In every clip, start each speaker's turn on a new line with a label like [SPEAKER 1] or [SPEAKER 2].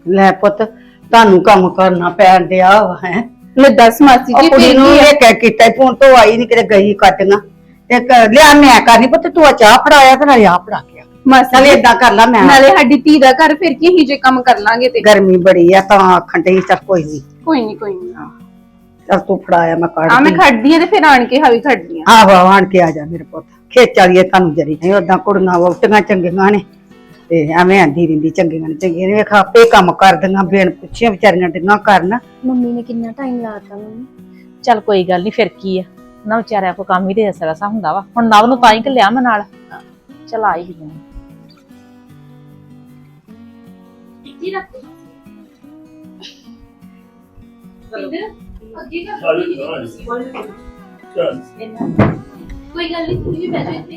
[SPEAKER 1] ਲੈ ਪੁੱਤ ਤੁਹਾਨੂੰ ਕੰਮ ਕਰਨਾ ਪੈਣ ਡਿਆ ਵਾ ਹੈ
[SPEAKER 2] ਲੈ ਦੱਸ ਮਾਸੀ ਜੀ
[SPEAKER 1] ਕੁੜੀ ਨੂੰ ਇਹ ਕਹਿ ਕੀਤਾ ਫੋਨ ਤੋਂ ਆਈ ਨਹੀਂ ਕਿਤੇ ਗਈ ਕੱਟਣਾ ਤੇ ਲਿਆ ਮੈਂ ਕਰਨੀ ਪੁੱਤ ਤੂੰ ਚਾਹ ਫੜਾਇਆ ਤੇ ਨਾਲੇ ਆ ਫੜਾ ਕੇ
[SPEAKER 2] ਮਾਸੀ
[SPEAKER 1] ਨਾਲੇ ਏਦਾਂ ਕਰ ਲਾ ਮੈਂ
[SPEAKER 2] ਨਾਲੇ ਸਾਡੀ ਧੀ ਦਾ ਘਰ ਫਿਰ ਕੀ ਹੀ ਜੇ ਕੰਮ ਕਰ ਲਾਂਗੇ ਤੇ
[SPEAKER 1] ਗਰਮੀ ਬੜੀ ਆ ਤਾਂ ਆਖਣ ਡਈ ਚੱਲ ਕੋਈ ਨਹੀਂ
[SPEAKER 2] ਕੋਈ ਨਹੀਂ
[SPEAKER 1] ਚੱਲ ਤੂੰ ਫੜਾਇਆ ਮੈਂ ਕੱਢ
[SPEAKER 2] ਆ ਮੈਂ ਖੜਦੀ ਆ ਤੇ ਫਿਰ ਆਣ ਕੇ ਹਾਵੀ ਖੜਦੀ ਆ
[SPEAKER 1] ਆਹੋ ਆਣ ਕੇ ਆ ਜਾ ਮੇਰੇ ਪੁੱਤ ਖੇਚ ਵਾਲੀਏ ਤੁਹਾਨੂੰ ਜਰੀ ਨਹੀਂ ਉਦਾਂ ਕੁੜੀਆਂ ਵੋਟੀਆਂ ਚੰਗੀਆਂ ਨੇ ਤੇ ਐਵੇਂ ਆਂਦੀ ਰਹਿੰਦੀ ਚੰਗੀਆਂ ਨੇ ਵੇਖ ਆਪੇ ਕੰਮ ਕਰਦੀਆਂ ਬਿਨ ਪੁੱਛੀਆਂ ਵਿਚਾਰੀਆਂ ਡਿੰਗਾਂ ਕਰਨ
[SPEAKER 3] ਮੰਮੀ ਨੇ ਕਿੰਨਾ ਟਾਈਮ ਲਾਤਾ ਮੰਮੀ
[SPEAKER 4] ਚੱਲ ਕੋਈ ਗੱਲ ਨਹੀਂ ਫਿਰ ਕੀ ਆ ਨਾ ਵਿਚਾਰਿਆਂ ਕੋ ਕੰਮ ਹੀ ਦੇ ਅਸਰਸਾ ਹੁੰਦਾ ਵਾ ਹੁਣ ਨਵ ਨੂੰ ਤਾਂ ਹੀ ਘੱਲਿਆ ਮੈਂ ਨਾਲ ਚਲ ਆਈ ਹੀ ਨਹੀਂ
[SPEAKER 3] ਕੋਈ ਗੱਲ ਨਹੀਂ ਤੁਸੀਂ ਵੀ ਬੈਠੋ ਇੱਥੇ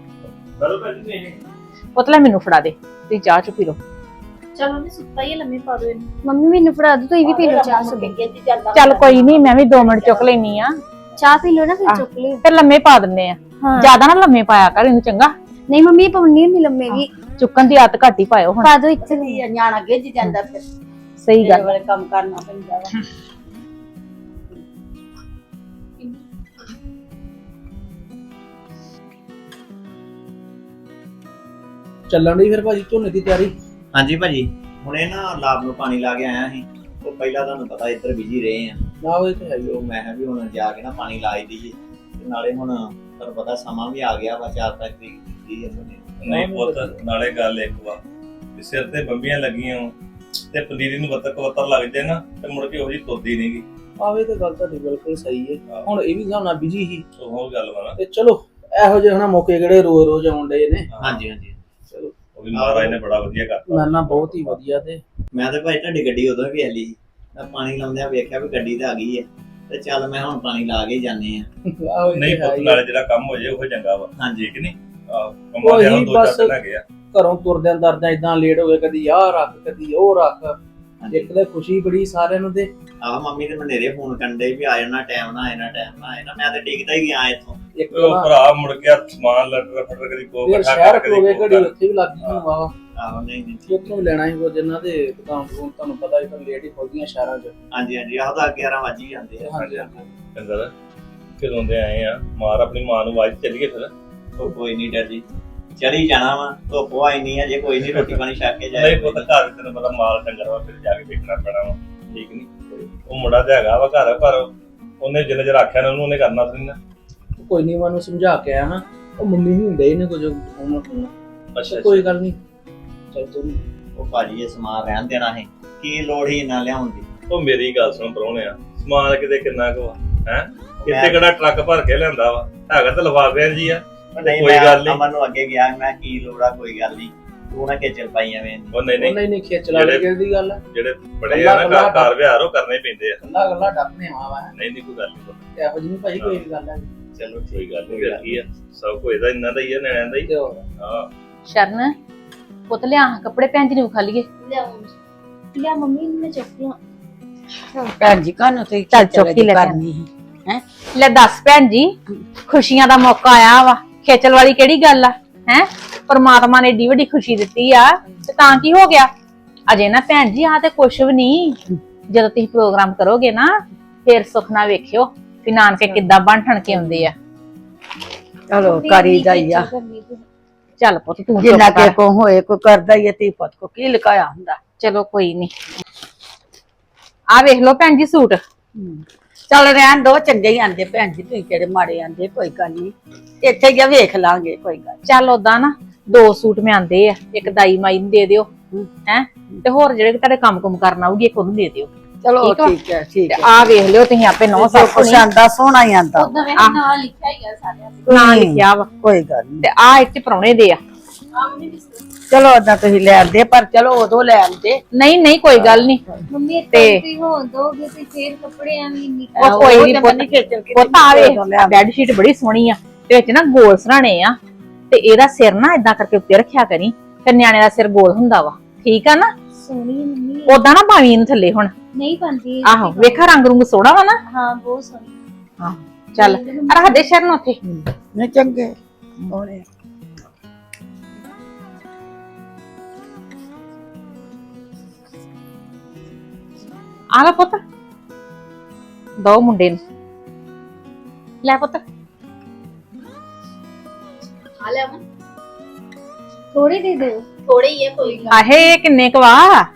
[SPEAKER 4] ਪੁੱਤਲਾ ਮੈਨੂੰ ਫੜਾ ਦੇ ਤੇ ਚਾਹ ਚੁ ਪੀ ਲੋ
[SPEAKER 3] ਚਲੋ ਮੈਂ ਸੁੱਤਾ ਹੀ ਲੰਮੇ ਪਾ ਦੋ ਇਹਨੂੰ ਮੰਮੀ ਮੈਨੂੰ ਫੜਾ ਦੋ ਤੁਸੀਂ ਵੀ ਪੀ ਲਓ ਚਾਹ ਸੁਬੇ
[SPEAKER 4] ਚੱਲ ਕੋਈ ਨਹੀਂ ਮੈਂ ਵੀ 2 ਮਿੰਟ ਚੁੱਕ ਲੈਣੀ ਆ
[SPEAKER 3] ਚਾਹ ਪੀ ਲਓ ਨਾ ਫਿਰ ਚੁੱਕ ਲਿਓ
[SPEAKER 4] ਫਿਰ ਲੰਮੇ ਪਾ ਦਿੰਨੇ ਆ ਜਿਆਦਾ ਨਾ ਲੰਮੇ ਪਾਇਆ ਕਰ ਇਹਨੂੰ ਚੰਗਾ
[SPEAKER 3] ਨਹੀਂ ਮੰਮੀ ਪਾਉਣੀ ਨਹੀਂ ਲੰਮੇ ਵੀ
[SPEAKER 4] ਚੁੱਕਣ ਦੀ ਆਦਤ ਘੱਟ ਹੀ ਪਾਇਓ ਹੁਣ
[SPEAKER 3] ਪਾ ਦੋ ਇੱਥੇ
[SPEAKER 1] ਨਿਆਣਾ ਗਿੱਜ ਜਾਂਦਾ ਫਿਰ
[SPEAKER 4] ਸਹੀ ਗੱਲ
[SPEAKER 1] ਵਾਲੇ ਕੰਮ ਕਰਨਾ ਪੈਂਦਾ ਵਾ
[SPEAKER 5] ਚੱਲਣ ਦੀ ਫਿਰ ਭਾਜੀ ਝੋਨੇ ਦੀ ਤਿਆਰੀ
[SPEAKER 6] ਹਾਂਜੀ ਭਾਜੀ ਹੁਣੇ ਨਾ ਲਾਭ ਨੂੰ ਪਾਣੀ ਲਾ ਕੇ ਆਇਆ ਸੀ ਉਹ ਪਹਿਲਾਂ ਤੁਹਾਨੂੰ ਪਤਾ ਇੱਧਰ ਬਿਜੀ ਰਹੇ ਆ
[SPEAKER 5] ਨਾ ਉਹ ਤੇ ਹੈ ਹੀ
[SPEAKER 6] ਉਹ ਮੈਂ ਕਿਹਾ ਵੀ ਹੁਣ ਜਾ ਕੇ ਨਾ ਪਾਣੀ ਲਾ ਹੀ ਦਈਏ ਤੇ ਨਾਲੇ ਹੁਣ ਤੁਹਾਨੂੰ ਪਤਾ ਸਮਾਂ ਵੀ ਆ ਗਿਆ ਵਾ 4 ਤਰੀਕ ਦੀ ਹੈ
[SPEAKER 7] ਨਹੀਂ ਪੁੱਤ ਨਾਲੇ ਗੱਲ ਇੱਕ ਵਾ ਵੀ ਸਿਰ ਤੇ ਬੰਬੀਆਂ ਲੱਗੀਆਂ ਤੇ ਪਨੀਰੀ ਨੂੰ ਵੱਤਰ ਲੱਗ ਜਾਏ ਨਾ ਤੇ ਮੁੜ ਕੇ ਉਹਦੀ ਤੁਰਦੀ ਨਹੀਂਗੀ
[SPEAKER 5] ਆਵੇ ਤੇ ਗੱਲ ਤੁਹਾਡੀ ਬਿਲਕੁਲ ਸਹੀ ਹੈ ਹੁਣ ਇਹ ਵੀ ਹਿਸਾਬ ਨਾਲ ਬਿਜੀ ਹੀ
[SPEAKER 7] ਉਹ ਗੱਲ ਵਾ ਨਾ
[SPEAKER 5] ਤੇ ਚਲੋ ਇਹੋ ਜਿਹੇ ਹਨਾ ਮੌਕੇ ਕਿਹੜੇ ਰੋਜ਼ ਆਉਂਦੇ ਨੇ
[SPEAKER 6] ਹਾਂਜੀ ਹਾਂਜੀ
[SPEAKER 5] ਚਲੋ
[SPEAKER 7] ਉਹ ਵੀ ਮਹਾਰਾਜ ਨੇ ਬੜਾ ਵਧੀਆ ਕਰਤਾ
[SPEAKER 5] ਮੈਂ ਨਾ ਬਹੁਤ ਹੀ ਵਧੀਆ ਤੇ
[SPEAKER 6] ਮੈਂ ਤਾਂ ਭਾਈ ਤੁਹਾਡੀ ਗੱਡੀ ਉਦੋਂ ਵੀ ਆਲੀ ਮੈਂ ਪਾਣੀ ਲਾਉਂਦਿਆਂ ਵੇਖਿਆ ਵੀ ਗੱਡੀ ਤਾਂ ਆ ਗਈ ਹੈ ਤੇ ਚੱਲ ਮੈਂ ਹੁਣ ਪਾਣੀ ਲਾ ਕੇ ਜਾਂਦੇ ਆ
[SPEAKER 5] ਆਹੋ ਇਹ
[SPEAKER 7] ਨਹੀਂ
[SPEAKER 5] ਤੇ ਹੈ
[SPEAKER 7] ਪੁੱਤ
[SPEAKER 5] ਹੀ
[SPEAKER 7] ਨਾਲੇ ਜਿਹੜਾ ਕੰਮ ਹੋ ਜਾਏ ਉਹ ਚੰਗਾ ਵਾ
[SPEAKER 6] ਹਾਂਜੀ
[SPEAKER 7] ਠੀਕ ਨਹੀਂ ਕੰਮਾਂ ਦੇ
[SPEAKER 5] ਉਹੀ
[SPEAKER 7] ਦੋ
[SPEAKER 5] ਬਸ-
[SPEAKER 7] ਚਾਰ ਦਿਨ ਹੈਗੇ ਆ
[SPEAKER 5] ਘਰੋਂ ਤੁਰਦਿਆਂ ਦਰਦਿਆਂ ਇਦਾਂ ਲੇਟ ਹੋ ਗਏ ਕਦੀ ਆਹ ਰੱਖ ਕਦੀ ਉਹ ਰੱਖ ਇੱਕ ਤਾਂ ਖੁਸ਼ੀ ਬੜੀ ਸਾਰਿਆਂ ਨੂੰ ਤੇ
[SPEAKER 6] ਆਹ ਮੰਮੀ ਤੇ ਮਨੇਰੇ ਫੋਨ ਕਰਦੇ ਵੀ ਆ ਜਾਣਾ ਟਾਈਮ ਨਾ ਮੈਂ ਤਾਂ ਡਿੱਗਦਾ ਹੀ ਗਿਆ ਇੱਥੋਂ
[SPEAKER 5] ਇੱਕ
[SPEAKER 7] ਉਹ
[SPEAKER 5] ਨਾ
[SPEAKER 7] ਭਰਾ ਮੁੜ ਕੇ ਸਮਾਨ ਲੱਟਰ ਫਟਰ ਕਦੀ ਕੋ
[SPEAKER 5] ਫਿਰ ਸ਼ਹਿਰ ਕੋਲ ਗਏ ਘੜੀ ਉੱਥੇ ਵੀ ਲੱਗ ਗਈ ਵਾਵਾ
[SPEAKER 6] ਆਹੋ ਨਹੀਂ
[SPEAKER 5] ਉੱਥੋਂ ਵੀ ਲੈਣਾ ਸੀ ਕੁਝ ਇਹਨਾਂ ਦੇ ਦੁਕਾਨ ਤੋਂ ਤੁਹਾਨੂੰ ਪਤਾ ਹੀ ਤਾਂ ਲੇਟ ਹੀ ਖੁੱਲਦੀਆਂ ਸ਼ਹਿਰਾਂ 'ਚ
[SPEAKER 6] ਹਾਂਜੀ ਆਹ ਤਾਂ 11 ਵਜ ਹੀ ਜਾਂਦੇ ਆ
[SPEAKER 5] ਹਾਂਜੀ
[SPEAKER 7] ਕੰਦਰ ਕਦੋਂ ਦੇ ਆਏ ਆ ਮਾਰ ਆਪਣੀ ਮਾਂ ਨੂੰ ਆਵਾਜ਼ ਚੱਲੀਏ ਫਿਰ
[SPEAKER 6] ਉਹ ਕੋਈ ਨਹੀਂ ਡਰ ਜੀ ਚਲੀ ਜਾਣਾ ਵਾ ਧੁੱਪ ਆਈ ਨਹੀਂ ਅਜੇ ਕੋਈ ਨਹੀਂ ਰੋਟੀ ਪਾਣੀ ਛਕ ਕੇ ਜਾਏ
[SPEAKER 7] ਨਹੀਂ ਪੁੱਤ ਘਰ ਤੈਨੂੰ ਪਤਾ ਮਾਲ ਡੰਗਰ ਵਾ ਫਿਰ ਜਾ ਕੇ ਦੇਖਣਾ ਪੈਣਾ ਵਾ ਠੀਕ ਨਹੀਂ ਉਹ ਮੁੰਡਾ ਤੇ ਹੈਗਾ ਵਾ ਘਰ ਪਰ ਉਹਨੇ ਜਿੰਨੇ ਚਿਰ ਆਖਿਆ ਨਾ ਉਹਨੇ ਕਰਨਾ ਸੀ ਨਾ
[SPEAKER 5] ਕੋਈ ਨਹੀਂ ਮੈਨੂੰ ਸਮਝਾ ਕੇ ਆਇਆ ਨਾ ਉਹ ਮੰਮੀ ਨਹੀਂ ਹੁੰਦੇ ਇਹਨੇ ਕੁਝ ਹੋਣਾ
[SPEAKER 7] ਅੱਛਾ
[SPEAKER 5] ਕੋਈ ਗੱਲ ਨਹੀਂ ਚੱਲ ਤੂੰ
[SPEAKER 6] ਉਹ ਭਾਜੀ ਇਹ ਸਮਾਨ ਰਹਿਣ ਦੇਣਾ ਹੈ ਕੀ ਲੋੜ ਹੀ ਨਾ ਲਿਆਉਣ ਦੀ
[SPEAKER 7] ਉਹ ਮੇਰੀ ਗੱਲ ਸੁਣ ਪਰੋਣੇ ਆ ਸਮਾਨ ਕਿਤੇ ਕਿੰਨਾ ਕੁ ਹੈ ਕਿਤੇ ਕਿਹੜਾ ਟਰੱਕ ਭਰ ਕੇ ਲਿਆਂਦਾ ਵਾ ਹੈਗਾ ਤਾਂ ਲਫਾਫਿਆਂ ਜੀ ਆ
[SPEAKER 6] ਨਹੀਂ
[SPEAKER 7] ਕੋਈ ਗੱਲ ਨੀ।
[SPEAKER 6] ਅਮਨ ਨੂੰ ਅੱਗੇ ਗਿਆ ਮੈਂ ਕੀ ਲੋੜ ਆ ਕੋਈ ਗੱਲ ਨਹੀਂ ਤੂੰ ਨਾ ਖੇਚਲ ਪਾਈ ਐਵੇਂ
[SPEAKER 7] ਉਹ ਨਹੀਂ
[SPEAKER 5] ਨਹੀਂ ਖੇਚ ਲਾ ਲੈ ਦੀ ਗੱਲ ਹੈ
[SPEAKER 7] ਜਿਹੜੇ ਬੜੇ ਆ ਨਾ ਕਾਰ ਵਿਹਾਰ ਉਹ ਕਰਨੇ ਪੈਂਦੇ ਆ
[SPEAKER 5] ਗੱਲਾਂ ਡੱਪਨੇ ਆਵਾ
[SPEAKER 7] ਨਹੀਂ ਕੋਈ ਗੱਲ ਨਹੀਂ
[SPEAKER 5] ਇਹੋ ਜਿਹੀ ਭਾਈ ਕੋਈ ਗੱਲ ਹੈ
[SPEAKER 6] ਚਲੋ
[SPEAKER 7] ਕੋਈ ਗੱਲ ਨਹੀਂ ਕੀ ਆ ਸਭ ਕੁਝ ਇਹਦਾ ਇੰਨਾ ਦਾ ਹੀ ਆ ਨਿਆਣਿਆਂ ਦਾ ਹੀ
[SPEAKER 5] ਤੇ ਹੋਰ
[SPEAKER 7] ਹਾਂ
[SPEAKER 4] ਸ਼ਰਨ ਪੁੱਤ ਲਿਆ ਕੱਪੜੇ ਭੈਣ ਜੀ ਨੂੰ ਖਾ ਲਈਏ
[SPEAKER 3] ਲਿਆ ਮੰਮੀ ਨੂੰ ਮੈਂ ਚੁੱਕ ਲਾਂ
[SPEAKER 1] ਭੈਣ ਜੀ ਕਾਹਨੂੰ ਤੇ
[SPEAKER 4] ਚੱਲ ਚੁੱਕ ਹੀ ਲੈ
[SPEAKER 1] ਕਰਨੀ ਹੈ
[SPEAKER 4] ਲੈ ਦੱਸ ਭੈਣ ਜੀ ਖੁਸ਼ੀਆਂ ਦਾ ਮੌਕਾ ਆਇਆ ਵਾ ਖੇਚਲ ਵਾਲੀ ਕਿਹੜੀ ਗੱਲ ਆ ਹੈ ਪਰਮਾਤਮਾ ਨੇ ਏਡੀ ਵੱਡੀ ਖੁਸ਼ੀ ਦਿੱਤੀ ਆ ਤੇ ਤਾਂ ਕੀ ਹੋ ਗਿਆ ਅਜੇ ਨਾ ਭੈਣ ਜੀ ਆ ਤੇ ਕੁਛ ਵੀ ਨਹੀਂ ਜਦੋਂ ਤੁਸੀਂ ਪ੍ਰੋਗਰਾਮ ਕਰੋਗੇ ਨਾ ਫੇਰ ਸੁਖਨਾ ਵੇਖਿਓ ਵੀ ਨਾਨਕੇ ਕਿੱਦਾਂ ਬਣ ਠਣ ਕੇ ਆਉਂਦੇ ਆ
[SPEAKER 1] ਚਲੋ ਕਰੀ ਜਾਈਆ
[SPEAKER 4] ਚੱਲ ਪੁੱਤ ਤੂੰ
[SPEAKER 1] ਜਿੰਨਾ
[SPEAKER 4] ਚੁੱਪ
[SPEAKER 1] ਕੇ
[SPEAKER 4] ਕਰ।
[SPEAKER 1] ਕੋ ਹੋਏ ਕੋਈ ਕਰਦਾ ਹੀ ਤੀ ਪੁੱਤ ਕੋ ਕੀ ਲਕਾਇਆ ਹੁੰਦਾ
[SPEAKER 4] ਚਲੋ ਕੋਈ ਨਹੀਂ ਆ ਵੇਖ ਲਓ ਭੈਣ ਜੀ ਸੂਟ
[SPEAKER 1] ਚੱਲ ਰਹਿਣ ਦੋ ਚੰਗੇ ਹੀ ਆਂਦੇ ਭੈਣ ਜੀ ਤੁਸੀਂ ਕਿਹੜੇ ਮਾੜੇ ਆਂਦੇ ਕੋਈ ਗੱਲ ਨਹੀਂ ਇੱਥੇ ਗਿਆ ਵੇਖ ਲਾਂਗੇ ਕੋਈ ਗੱਲ
[SPEAKER 4] ਚੱਲ ਓਦਾਂ ਨਾ 2 ਸੂਟ ਮੈਂ ਆਂਦੇ ਆ ਇੱਕ ਦਾਈ ਮਾਈ ਨੂੰ ਦੇ ਦਿਓ ਹੈ ਤੇ ਹੋਰ ਜਿਹੜੇ ਤੁਹਾਡੇ ਕੰਮ ਕੁਮ ਕਰਨ ਆਉਗੀ ਇੱਕ ਉਹਨੂੰ ਦੇ ਦਿਓ
[SPEAKER 1] ਚਲੋ
[SPEAKER 4] ਠੀਕ ਵਾ?
[SPEAKER 1] ਠੀਕ ਹੈ ਠੀਕ ਹੈ
[SPEAKER 4] ਆ ਵੇਖ ਲਿਓ ਤੁਸੀਂ ਆਪੇ ਨੌ ਸੱਸ
[SPEAKER 1] ਕੁਛ ਆਂਦਾ ਸੋਹਣਾ ਹੀ ਆਂਦਾ
[SPEAKER 3] ਉਦੋਂ ਵੇ ਨਾਂ ਲਿਖਿਆ ਹੀ ਆ ਸਾਰਿਆਂ ਦੇ
[SPEAKER 4] ਨਾਂ ਲਿਖਿਆ ਵਾ
[SPEAKER 1] ਕੋਈ ਗੱਲ ਨਹੀਂ
[SPEAKER 4] ਤੇ ਆ ਇੱਥੇ ਪ੍ਰਾਹੁਣੇ ਦੇ ਆ
[SPEAKER 3] ਮੰਮੀ
[SPEAKER 1] ਚਲੋ ਓਦਾਂ ਤੁਸੀਂ ਲੈ ਆਂਦੇ ਪਰ ਚਲੋ ਉਦੋਂ ਲੈ ਆਂਦੇ
[SPEAKER 4] ਨਹੀਂ ਕੋਈ ਗੱਲ ਨਹੀਂ
[SPEAKER 3] ਮੰਮੀ
[SPEAKER 4] ਤੇ-
[SPEAKER 3] ਤੇ ਹੋਣ ਦੋਗੇ ਤੇ ਫੇਰ ਕੱਪੜੇ ਐਵੇਂ ਨਹੀਂ
[SPEAKER 4] ਉਹ ਕੋਈ ਨਹੀਂ ਪੁੱਤ ਆਵੇ ਬੈੱਡ ਸ਼ੀਟ ਬੜੀ ਸੋਹਣੀ ਆ ਤੇ ਵਿੱਚ ਨਾ ਗੋਲ ਸਰਾਣੇ ਆ ਤੇ ਇਹਦਾ ਸਿਰ ਨਾ ਇਦਾਂ ਕਰਕੇ ਉੱਤੇ ਰੱਖਿਆ ਕਰੀ ਫਿਰ ਨਿਆਣੇ ਦਾ ਸਿਰ ਗੋਲ ਹੁੰਦਾ ਵਾ ਠੀਕ ਆ ਨਾ
[SPEAKER 3] ਸੋਹਣੀ ਹੈ ਮੰਮੀ
[SPEAKER 4] ਓਦਾਂ ਨਾ ਪਾਵੀਂ ਇਹਨੂੰ ਥੱਲੇ ਹੁਣ
[SPEAKER 3] ਨਹੀਂ ਪਾਉਂਦੀ
[SPEAKER 4] ਆਹੋ ਵੇਖਾ ਰੰਗ ਰੁੰਗ ਸੋਹਣਾ ਵਾ ਨਾ
[SPEAKER 3] ਹਾਂ ਬਹੁਤ ਸੋਹਣੀ
[SPEAKER 4] ਹਾਂ ਚੱਲ ਰੱਖ ਦੇ ਸ਼ਰਨ ਉੱਥੇ
[SPEAKER 1] ਨਹੀਂ ਚੰਗੇ ਸੋਹਣੇ
[SPEAKER 4] ਆ ਲੈ ਪੁੱਤ ਦੋ ਮੁੰਡੇ ਨੂੰ ਲੈ ਪੁੱਤ
[SPEAKER 3] ਆ ਲੈ ਅਮਨ ਥੋੜੀ ਦੇ ਦਿਓ ਥੋੜੇ ਹੀ ਹੈ ਕੋਈ ਗੱਲ
[SPEAKER 4] ਆਹੇ ਕਿੰਨੇ ਕਵਾ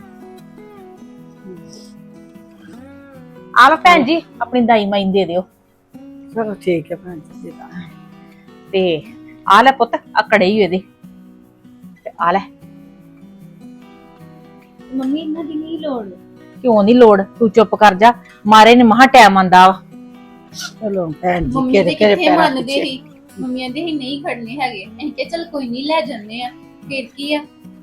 [SPEAKER 4] ਆ ਲੈ ਭੈਣ ਜੀ ਆਪਣੀ ਦਾਈ ਮਾਈ ਨੂੰ ਦੇ ਦਿਓ
[SPEAKER 1] ਚਲੋ ਠੀਕ ਹੈ ਭੈਣ ਜੀ ਜੀ
[SPEAKER 4] ਤੇ ਆ ਲੈ ਪੁੱਤ ਆ ਕੜੇ ਹੀ ਇਹਦੇ ਤੇ ਆ ਲੈ
[SPEAKER 3] ਮੰਮੀ ਇਹਨਾਂ ਦੀ ਨਹੀਂ ਲੋੜ
[SPEAKER 4] ਕਿਉਂ ਨਹੀਂ ਲੋੜ ਤੂੰ ਚੁੱਪ ਕਰ ਜਾ ਮਾਰੇ ਨੇ ਮਹਾ ਟਾਈਮ ਆਂਦਾ ਵਾ
[SPEAKER 1] ਚਲੋ ਭੈਣ ਜੀ
[SPEAKER 2] ਮੰਮੀ
[SPEAKER 1] ਕਿਹੜੇ
[SPEAKER 2] ਦੇ
[SPEAKER 1] ਕਿਹੜੇ
[SPEAKER 2] ਕਿੱਥੇ
[SPEAKER 1] ਪੈਰਾਂ
[SPEAKER 2] ਮੰਨਦੇ
[SPEAKER 1] ਪਿੱਛੇ।
[SPEAKER 2] ਸੀ ਮੰਮੀਆਂ ਦੇ ਹੀ ਨਹੀਂ ਖੜਨੇ ਹੈਗੇ ਅਸੀਂ ਕਿ ਚਲ ਕੋਈ ਨਹੀਂ ਲੈ ਜੰਨੇ ਆ ਫਿਰ ਕੀ ਆ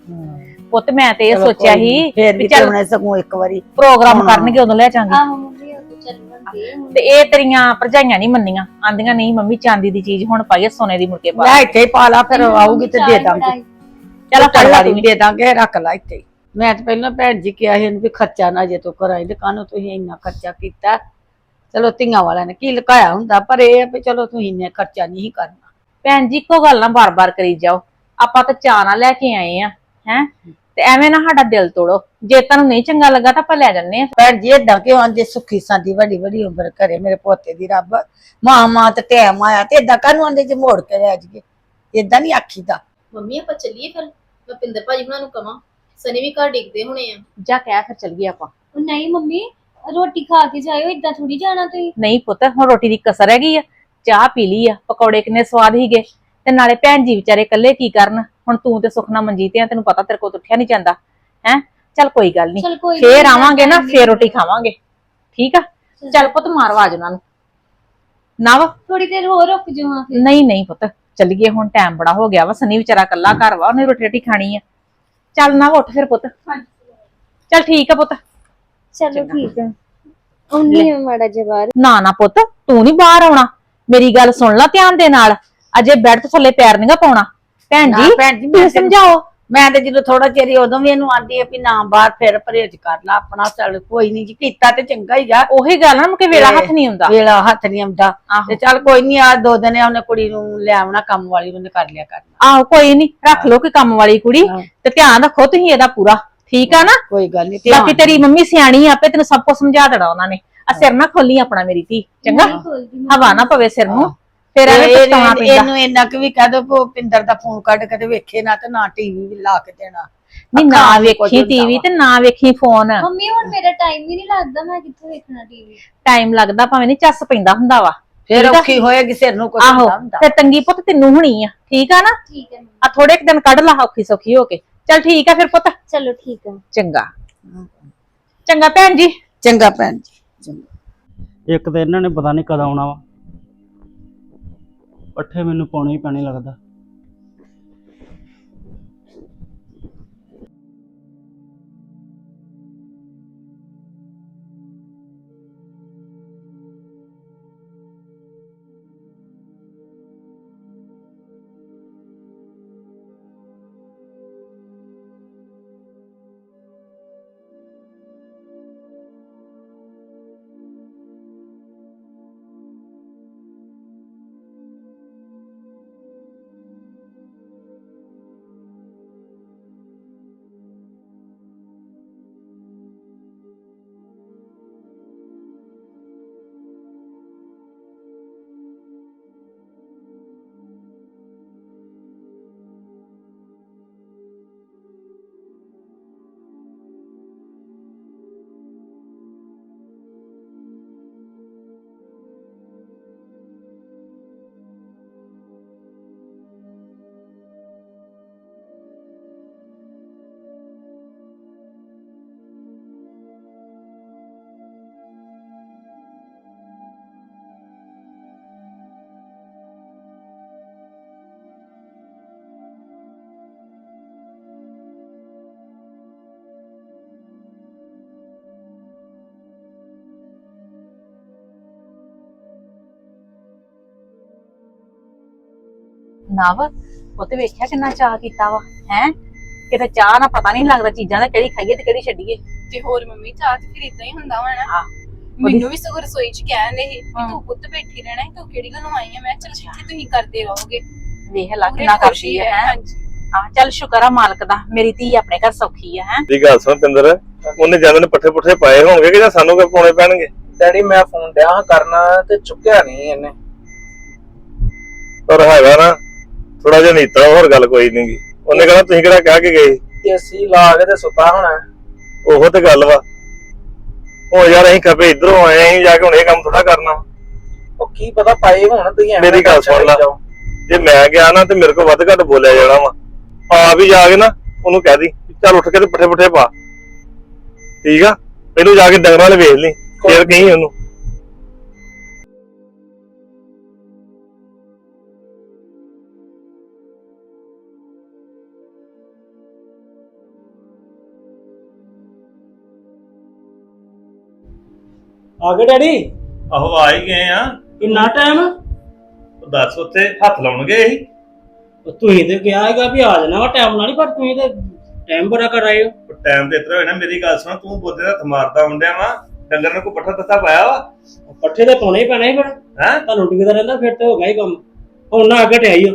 [SPEAKER 4] ਪੁੱਤ ਮੈਂ ਤੇ ਇਹ
[SPEAKER 1] ਚਲੋ
[SPEAKER 4] ਸੋਚਿਆ
[SPEAKER 1] ਕੋਈ ਨੀ,
[SPEAKER 4] ਸੀ
[SPEAKER 1] ਫੇਰ
[SPEAKER 4] ਵੀ
[SPEAKER 1] ਵੀ
[SPEAKER 4] ਚੱਲ
[SPEAKER 1] ਚੱਲਣਾ ਸਗੋਂ ਇੱਕ ਵਾਰੀ
[SPEAKER 4] ਪ੍ਰੋਗਰਾਮ
[SPEAKER 1] ਹਾਂ।
[SPEAKER 4] ਕਰਨਗੇ ਉਦੋਂ ਲੈ ਜਾਾਂਗੇ
[SPEAKER 3] ਆਹੋ ਮੰਮੀ ਉਹ ਤਾਂ ਚੱਲਣਗੇ ਹੁਣ
[SPEAKER 4] ਤੇ ਇਹ ਤੇਰੀਆਂ ਭਰਜਾਈਆਂ ਨਹੀਂ ਮੰਨੀਆਂ ਆਂਦੀਆਂ ਨਹੀਂ ਮੰਮੀ ਚਾਂਦੀ ਦੀ ਚੀਜ਼ ਹੁਣ ਪਾਈਏ ਸੋਨੇ ਦੀ ਮੁੜ ਕੇ ਪਾ
[SPEAKER 1] ਲੈ ਇੱਥੇ ਹੀ ਪਾ ਲਾ ਫਿਰ ਆਊਗੀ ਤੇ ਦੇ ਦਾਂਗੇ
[SPEAKER 3] ਬੜਾਈ।
[SPEAKER 4] ਚੱਲ ਫੜ ਲਾ
[SPEAKER 1] ਵੀ
[SPEAKER 4] ਤੂੰ
[SPEAKER 1] ਦੇ ਦਾਂਗੇ ਰੱਖ ਲਾ ਇੱਥੇ ਹੀ। ਮੈਂ ਤਾਂ ਪਹਿਲਾਂ ਭੈਣ ਜੀ ਕਿਹਾ ਸੀ ਇਹਨੂੰ ਵੀ ਖਰਚਾ ਨਾ ਜੇ ਤੂੰ ਕਰਾਈ ਤੇ ਕਾਹਨੂੰ ਤੁਸੀਂ ਇੰਨਾ ਖਰਚਾ ਕੀਤਾ ਚਲੋ ਧੀਆਂ ਵਾਲਿਆਂ ਨੇ ਕੀ ਲੁਕਾਇਆ ਹੁੰਦਾ ਪਰ ਇਹ ਆ ਵੀ ਚਲੋ ਤੁਸੀਂ ਇੰਨਾ ਖਰਚਾ ਨਹੀਂ ਕਰਨਾ
[SPEAKER 4] ਭੈਣ ਜੀ ਇੱਕੋ ਗੱਲ ਨਾ ਬਾਰ-ਬਾਰ ਕਰੀ ਜਾਓ ਆਪਾਂ ਤਾਂ ਚਾਹ ਨਾਲ ਲੈ ਕੇ ਆਏ ਆ ਹੈ ਤੇ ਐਵੇਂ ਨਾ ਸਾਡਾ ਦਿਲ ਤੋੜੋ ਜੇ ਤੁਹਾਨੂੰ ਨਹੀਂ ਚੰਗਾ ਲੱਗਾ ਤਾਂ ਆਪਾਂ ਲੈ ਜੰਨੇ ਆ
[SPEAKER 1] ਭੈਣ ਜੀ ਏਦਾਂ ਕਿਉਂ ਆਂਦੇ ਸੁੱਖੀ ਸਾਂਦੀ ਵੱਡੀ ਵੱਡੀ ਉਮਰ ਕਰੇ ਮੇਰੇ ਪੋਤੇ ਦੀ ਰੱਬ ਮਾਂ ਤੇ ਟਾਈਮ ਆਇਆ ਤੇ ਏਦਾਂ ਕਾਹਨੂੰ ਆਂਦੇ ਜੇ ਮੋੜ ਕੇ ਲੈ ਜਾਈਏ ਏਦਾਂ ਨਹੀਂ ਆਖੀਦਾ
[SPEAKER 8] ਮੰਮੀ ਆਪਾਂ ਚੱਲੀਏ ਫਿਰ ਮੈਂ ਪਿੰਦਰ ਭਾਜੀ ਹੁਣਾਂ ਨੂੰ ਕਵਾਂ ਸਨੀ ਵੀ ਘਰ ਡਿੱਗਦੇ ਹੋਣੇ ਆ
[SPEAKER 4] ਜਾ ਕਹਿ ਫਿਰ ਚੱਲ ਗਏ ਆਪਾਂ
[SPEAKER 3] ਉਹ ਨਹੀਂ ਮੰਮੀ ਰੋਟੀ ਖਾ ਕੇ ਜਾਇਓ ਇਦਾਂ ਥੋੜੀ ਜਾਣਾ ਤੁਸੀਂ
[SPEAKER 4] ਨਹੀਂ ਪੁੱਤ ਹੁਣ ਰੋਟੀ ਦੀ ਕਸਰ ਹੈਗੀ ਆ ਚਾਹ ਪੀ ਲਈ ਆ ਪਕੌੜੇ ਕਿੰਨੇ ਸਵਾਦ ਹੀਗੇ ਤੇ ਨਾਲੇ ਭੈਣ ਜੀ ਵਿਚਾਰੇ ਇਕੱਲੇ ਕੀ ਕਰਨ ਹੁਣ ਤੂੰ ਤੇ ਸੁਖਨਾ ਮਨਜੀਤ ਆ ਤੈਨੂੰ ਪਤਾ ਤੇਰੇ ਕੋਲ ਉੱਠਿਆ ਨਹੀਂ ਜਾਂਦਾ ਹੈ ਚੱਲ ਕੋਈ ਗੱਲ ਨਹੀਂ
[SPEAKER 3] ਚਲ ਕੋਈ
[SPEAKER 4] ਫੇਰ
[SPEAKER 3] ਨੀ,
[SPEAKER 4] ਆਵਾਂਗੇ ਨਾ
[SPEAKER 3] ਮੈਂ
[SPEAKER 4] ਫੇਰ ਰੋਟੀ ਖਾਵਾਂਗੇ ਠੀਕ ਆ ਚੱਲ ਪੁੱਤ ਮਾਰ ਆਵਾਜ਼ ਉਹਨਾਂ ਨੂੰ ਨਵ
[SPEAKER 3] ਥੋੜੀ ਦੇਰ ਹੋਰ ਰੁਕ ਜਾਓ ਹਾਂ ਫਿਰ
[SPEAKER 4] ਨਹੀਂ ਨਹੀਂ ਪੁੱਤ ਚੱਲੀਏ ਹੁਣ ਟਾਈਮ ਬੜਾ ਹੋ ਗਿਆ ਵਾ ਸਨੀ ਵਿਚਾਰਾ ਇਕੱਲਾ ਘਰ ਵਾ ਉਹਨੇ ਰੋਟੀ ਰੋਟੀ ਖਾਣੀ ਆ ਚੱਲ ਨਾ ਉੱਠ ਫਿਰ ਪੁੱਤ ਚੱਲ ਠੀਕ ਆ ਪੁੱਤ
[SPEAKER 3] ਚਲੋ ਠੀਕ ਹੈ ਉਹਨੀ ਮਾੜਾ ਜਵਾਰ
[SPEAKER 4] ਨਾ ਨਾ ਪੁੱਤ ਤੂੰ ਨਹੀਂ ਬਾਹਰ ਆਉਣਾ ਮੇਰੀ ਗੱਲ ਸੁਣ ਲੈ ਧਿਆਨ ਦੇ ਨਾਲ ਅਜੇ ਬੈੱਡ ਤੋਂ ਥੱਲੇ ਪੈਰ ਨਹੀਂਗਾ ਪਾਉਣਾ ਭੈਣ
[SPEAKER 1] ਨਾ
[SPEAKER 4] ਜੀ
[SPEAKER 1] ਭੈਣ ਜੀ
[SPEAKER 4] ਤੁਸੀਂ
[SPEAKER 1] ਮੈਂ
[SPEAKER 4] ਸਮਝਾਓ
[SPEAKER 1] ਮੈਂ ਤੇ ਜਦੋਂ ਥੋੜਾ ਚਿਰ ਹੀ ਉਦੋਂ ਵੀ ਇਹਨੂੰ ਆਂਦੀ ਆ ਵੀ ਨਾ ਬਾਹਰ ਫਿਰ ਪਰਹੇਜ ਕਰ ਲਾ ਆਪਣਾ ਚੱਲ ਕੋਈ ਨਹੀਂ ਜੀ ਕੀਤਾ ਤੇ ਚੰਗਾ ਹੀ ਆ
[SPEAKER 4] ਉਹੀ ਗੱਲ ਨਾ ਮੁਕੇ ਵੇਲਾ ਹੱਥ ਨਹੀਂ ਹੁੰਦਾ
[SPEAKER 1] ਵੇਲਾ ਹੱਥ ਨਹੀਂ ਆਉਂਦਾ
[SPEAKER 4] ਆਹੋ।
[SPEAKER 1] ਤੇ ਚੱਲ ਕੋਈ ਨਹੀਂ ਆ 2 ਦਿਨ ਉਹਨੇ ਕੁੜੀ ਨੂੰ ਲੈ ਆਉਣਾ ਕੰਮ ਵਾਲੀ ਉਹਨੇ ਕਰ ਲਿਆ ਕਰਨਾ
[SPEAKER 4] ਆਹੋ ਕੋਈ ਨਹੀਂ ਰੱਖ ਲੋ ਕੋਈ ਕੰਮ ਵਾਲੀ ਕੁੜੀ
[SPEAKER 1] ਹਾਂ।
[SPEAKER 4] ਤੇ ਧਿਆਨ ਰੱਖੋ ਤੁਸੀਂ ਇਹਦਾ ਪੂਰਾ ਠੀਕ ਆ ਨਾ
[SPEAKER 1] ਕੋਈ ਗੱਲ ਨਹੀਂ
[SPEAKER 4] ਬਾਕੀ ਤੇਰੀ ਮੰਮੀ ਸਿਆਣੀ ਆ, ਆਪੇ ਤੈਨੂੰ ਸਭ ਕੁਝ ਸਮਝਾ ਦੇਣਾ ਉਹਨਾਂ ਨੇ ਆ ਸਿਰ ਨਾ ਖੋਲੀ ਆਪਣਾ ਮੇਰੀ ਧੀ ਚੰਗਾ ਹਵਾ ਨਾ ਪਵੇ ਸਿਰ ਨੂੰ ਫਿਰ ਐਵੇਂ ਪਛਤਾਉਣਾ ਪੈਂਦਾ
[SPEAKER 1] ਇਹਨੂੰ ਇੰਨਾ ਕਿ ਵੀ ਕਹਿ ਦੋ ਭੁਪਿੰਦਰ ਦਾ ਫੋਨ ਕੱਢ ਕੇ ਤੇ ਵੇਖੇ ਨਾ ਤੇ ਨਾ ਟੀਵੀ ਵੀ ਲਾ ਕੇ ਦੇਣਾ
[SPEAKER 4] ਨਹੀਂ ਨਾ
[SPEAKER 1] ਅੱਖਾਂ ਵੀ ਕੁਝ
[SPEAKER 4] ਵੇਖੀ
[SPEAKER 1] ਹੁੰਦਾ
[SPEAKER 4] ਟੀਵੀ
[SPEAKER 1] ਵਾ।
[SPEAKER 4] ਤੇ ਨਾ ਵੇਖੀ ਫੋਨ
[SPEAKER 3] ਮੰਮੀ ਹੁਣ ਮੇਰਾ ਟਾਈਮ ਹੀ ਨਹੀਂ ਲੱਗਦਾ ਮੈਂ ਕਿੱਥੇ ਵੇਖਣਾ ਟੀਵੀ
[SPEAKER 4] ਟਾਈਮ ਲੱਗਦਾ ਭਾਵੇਂ ਨਹੀਂ ਚੱਸ ਪੈਂਦਾ ਹੁੰਦਾ ਵਾ
[SPEAKER 1] ਫਿਰ
[SPEAKER 4] ਠੀਕ ਆ?
[SPEAKER 1] ਔਖੀ ਹੋਏਗੀ ਸਿਰ ਨੂੰ ਕੁਝ
[SPEAKER 4] ਆਹੋ
[SPEAKER 1] ਹੁੰਦਾ
[SPEAKER 4] ਫਿਰ ਤੰਗੀ ਪੁੱਤ ਤੈਨੂੰ ਹੋਣੀ ਆ ਠੀਕ ਆ ਨਾ
[SPEAKER 3] ਠੀਕ ਹੈ
[SPEAKER 4] ਆ ਥੋੜੇ ਕੁ ਦਿਨ ਕੱਢ ਲਾ ਔਖੀ ਸੌਖੀ ਹੋ ਕੇ ਚੱਲ ਠੀਕ ਆ ਫਿਰ ਪੁੱਤ
[SPEAKER 3] ਚਲੋ ਠੀਕ ਹੈ
[SPEAKER 4] ਚੰਗਾ ਚੰਗਾ ਭੈਣ ਜੀ
[SPEAKER 1] ਚੰਗਾ ਭੈਣ ਜੀ ਚੰਗਾ
[SPEAKER 9] ਇੱਕ ਤਾਂ ਇਹਨਾਂ ਨੇ ਪਤਾ ਨਹੀਂ ਕਦ ਆਉਣਾ ਵਾ ਪੱਠੇ ਮੈਨੂੰ ਪਾਉਣੇ ਹੀ ਪੈਣੇ ਲੱਗਦਾ
[SPEAKER 4] ਨਵ ਉਹ ਤੇ ਵੇਖਿਆ ਕਿੰਨਾ ਚਾਹ ਕੀਤਾ ਵਾ ਹੈ ਕਿਤੇ ਚਾਹ ਨਾ ਪਤਾ ਨਹੀਂ ਲੱਗਦਾ ਚੀਜ਼ਾਂ ਦਾ ਕਿਹੜੀ ਖਾਈਏ ਤੇ ਕਿਹੜੀ ਛੱਡੀਏ
[SPEAKER 2] ਤੇ ਹੋਰ ਮੰਮੀ ਚਾਹ ਤੇ ਫਿਰ ਇਦਾਂ ਹੀ ਹੁੰਦਾ ਵਾ ਨਾ
[SPEAKER 4] ਹਾਂ
[SPEAKER 2] ਮੈਨੂੰ ਵੀ ਸਗੋਂ ਰਸੋਈ ਚ ਕਹਿੰਦੇ ਸੀ ਕਿ ਤੂੰ ਪੁੱਤ ਬੈਠੀ ਰਹਿਣਾ ਹੈ, ਤੂੰ ਕਿਹੜੀ ਗੱਲੋਂ ਆਈ ਆ ਮੈਂ ਕਿਹਾ ਚੱਲ ਜਿੱਥੇ ਤੁਸੀਂ ਕਰਦੇ ਰਹੋਗੇ
[SPEAKER 4] ਵੇਖ ਲਾ ਕਿੰਨਾ ਕਰਦੀ ਹੈ
[SPEAKER 2] ਹਾਂਜੀ
[SPEAKER 4] ਹਾਂ ਚੱਲ ਸ਼ੁਕਰ ਆ ਮਾਲਕ ਦਾ ਮੇਰੀ ਧੀ ਆਪਣੇ ਘਰ ਸੌਖੀ ਆ ਹੈ
[SPEAKER 7] ਦੀ ਗੱਲ ਸੁਣ ਪਿੰਦਰ ਉਹਨੇ ਜਾਂਦੇ ਨੇ ਪੱਠੇ ਪੁੱਠੇ ਪਾਏ ਹੋਣਗੇ ਕਿ ਜਾਂ ਸਾਨੂੰ ਕਿ ਪਾਉਣੇ ਪੈਣਗੇ।
[SPEAKER 5] ਡੈਡੀ ਮੈਂ ਫੋਨ ਡਿਆ ਹਾਂ ਕਰਨਾ ਤੇ ਚੁੱਕਿਆ ਨਹੀਂ ਇਹਨੇ।
[SPEAKER 7] ਪਰ ਹੈਗਾ ਨਾ ਥੋੜਾ ਜਿਹਾ ਨੀਤਾ, ਹੋਰ ਗੱਲ ਕੋਈ ਨੀ ਗੀ। ਉਹਨੇ ਕਹਿਣਾ ਤੁਸੀਂ ਕਿਹੜਾ ਕਹਿ ਕੇ ਗਏ।
[SPEAKER 5] ਏਸੀ ਲਾ ਕੇ ਤੇ ਸੁੱਤਾ ਹੋਣਾ।
[SPEAKER 7] ਉਹੋ ਤੇ ਗੱਲ ਵਾ। ਉਹ ਯਾਰ ਅਸੀਂ ਖਪੇ ਇਧਰੋਂ ਆਏ, ਅਸੀਂ ਜਾ ਕੇ ਹੁਣ ਇਹ ਕੰਮ ਥੋੜਾ ਕਰਨਾ ਵਾ।
[SPEAKER 5] ਉਹ ਕੀ ਪਤਾ ਪਾਏ ਹੁਣ, ਤੁਸੀਂ ਐਵੇਂ
[SPEAKER 7] ਮੇਰੀ ਗੱਲ ਸੁਣ ਲਾ, ਜੇ ਮੈਂ ਗਿਆ ਨਾ ਤੇ ਮੇਰੇ ਕੋਲ ਵੱਧ ਘੱਟ ਬੋਲਿਆ ਜਾਣਾ ਵਾ। ਆਪ ਹੀ ਜਾ ਕੇ ਨਾ ਉਹਨੂੰ ਕਹਿ ਦੀ ਚੱਲ ਉੱਠ ਕੇ ਤੇ ਪੱਠੇ ਪੁੱਠੇ ਪਾ, ਠੀਕ ਆ। ਪਹਿਲੋਂ ਜਾ ਕੇ ਡੰਗਰਾਂ ਵਾਲੇ ਵੇਖ ਲਈ, ਫੇਰ ਕਹੀਂ ਉਹਨੂੰ।
[SPEAKER 9] ਆ ਗਏ ਡੈਡੀ?
[SPEAKER 7] ਆਹੋ ਆ ਹੀ ਗਏ ਆ।
[SPEAKER 9] ਕਿੰਨਾ ਟਾਈਮ?
[SPEAKER 7] ਦੱਸ ਉੱਥੇ ਹੱਥ ਲਾਉਣਗੇ ਇਹੀ।
[SPEAKER 9] ਤੁਸੀਂ ਤੇ ਕਿਹਾ ਹੈਗਾ ਵੀ ਆ ਜਾਣਾ ਵਾ ਟਾਈਮ ਨਾਲ ਹੀ, ਪਰ ਤੁਸੀਂ ਤੇ ਟਾਈਮ ਬੜਾ ਕਰ ਆਏ ਹੋ।
[SPEAKER 7] ਟਾਈਮ ਤੇ ਇਤਰਾ ਹੋਇਆ ਨਾ, ਮੇਰੀ ਗੱਲ ਸੁਣ, ਤੂੰ ਬੋਦੇ ਦਾ ਹੱਥ ਮਾਰਦਾ ਹੁੰਦਿਆ ਵਾ। ਡੰਗਰ ਨੇ ਕੋਈ ਪੱਠਾ ਦੱਸਾ ਪਾਇਆ ਵਾ।
[SPEAKER 9] ਪੱਠੇ ਤੇ ਪਾਉਣੇ ਹੀ ਪੈਣੇ ਫਿਰ।
[SPEAKER 7] ਹੈਂ?
[SPEAKER 9] ਤੁਹਾਨੂੰ ਟਿਕਦਾ ਰਹਿੰਦਾ ਫਿਰ ਤੇ ਹੋ ਗਿਆ ਹੀ ਕੰਮ। ਹੁਣ ਨਾ ਅੱਗੇ ਟਿਆਈਓ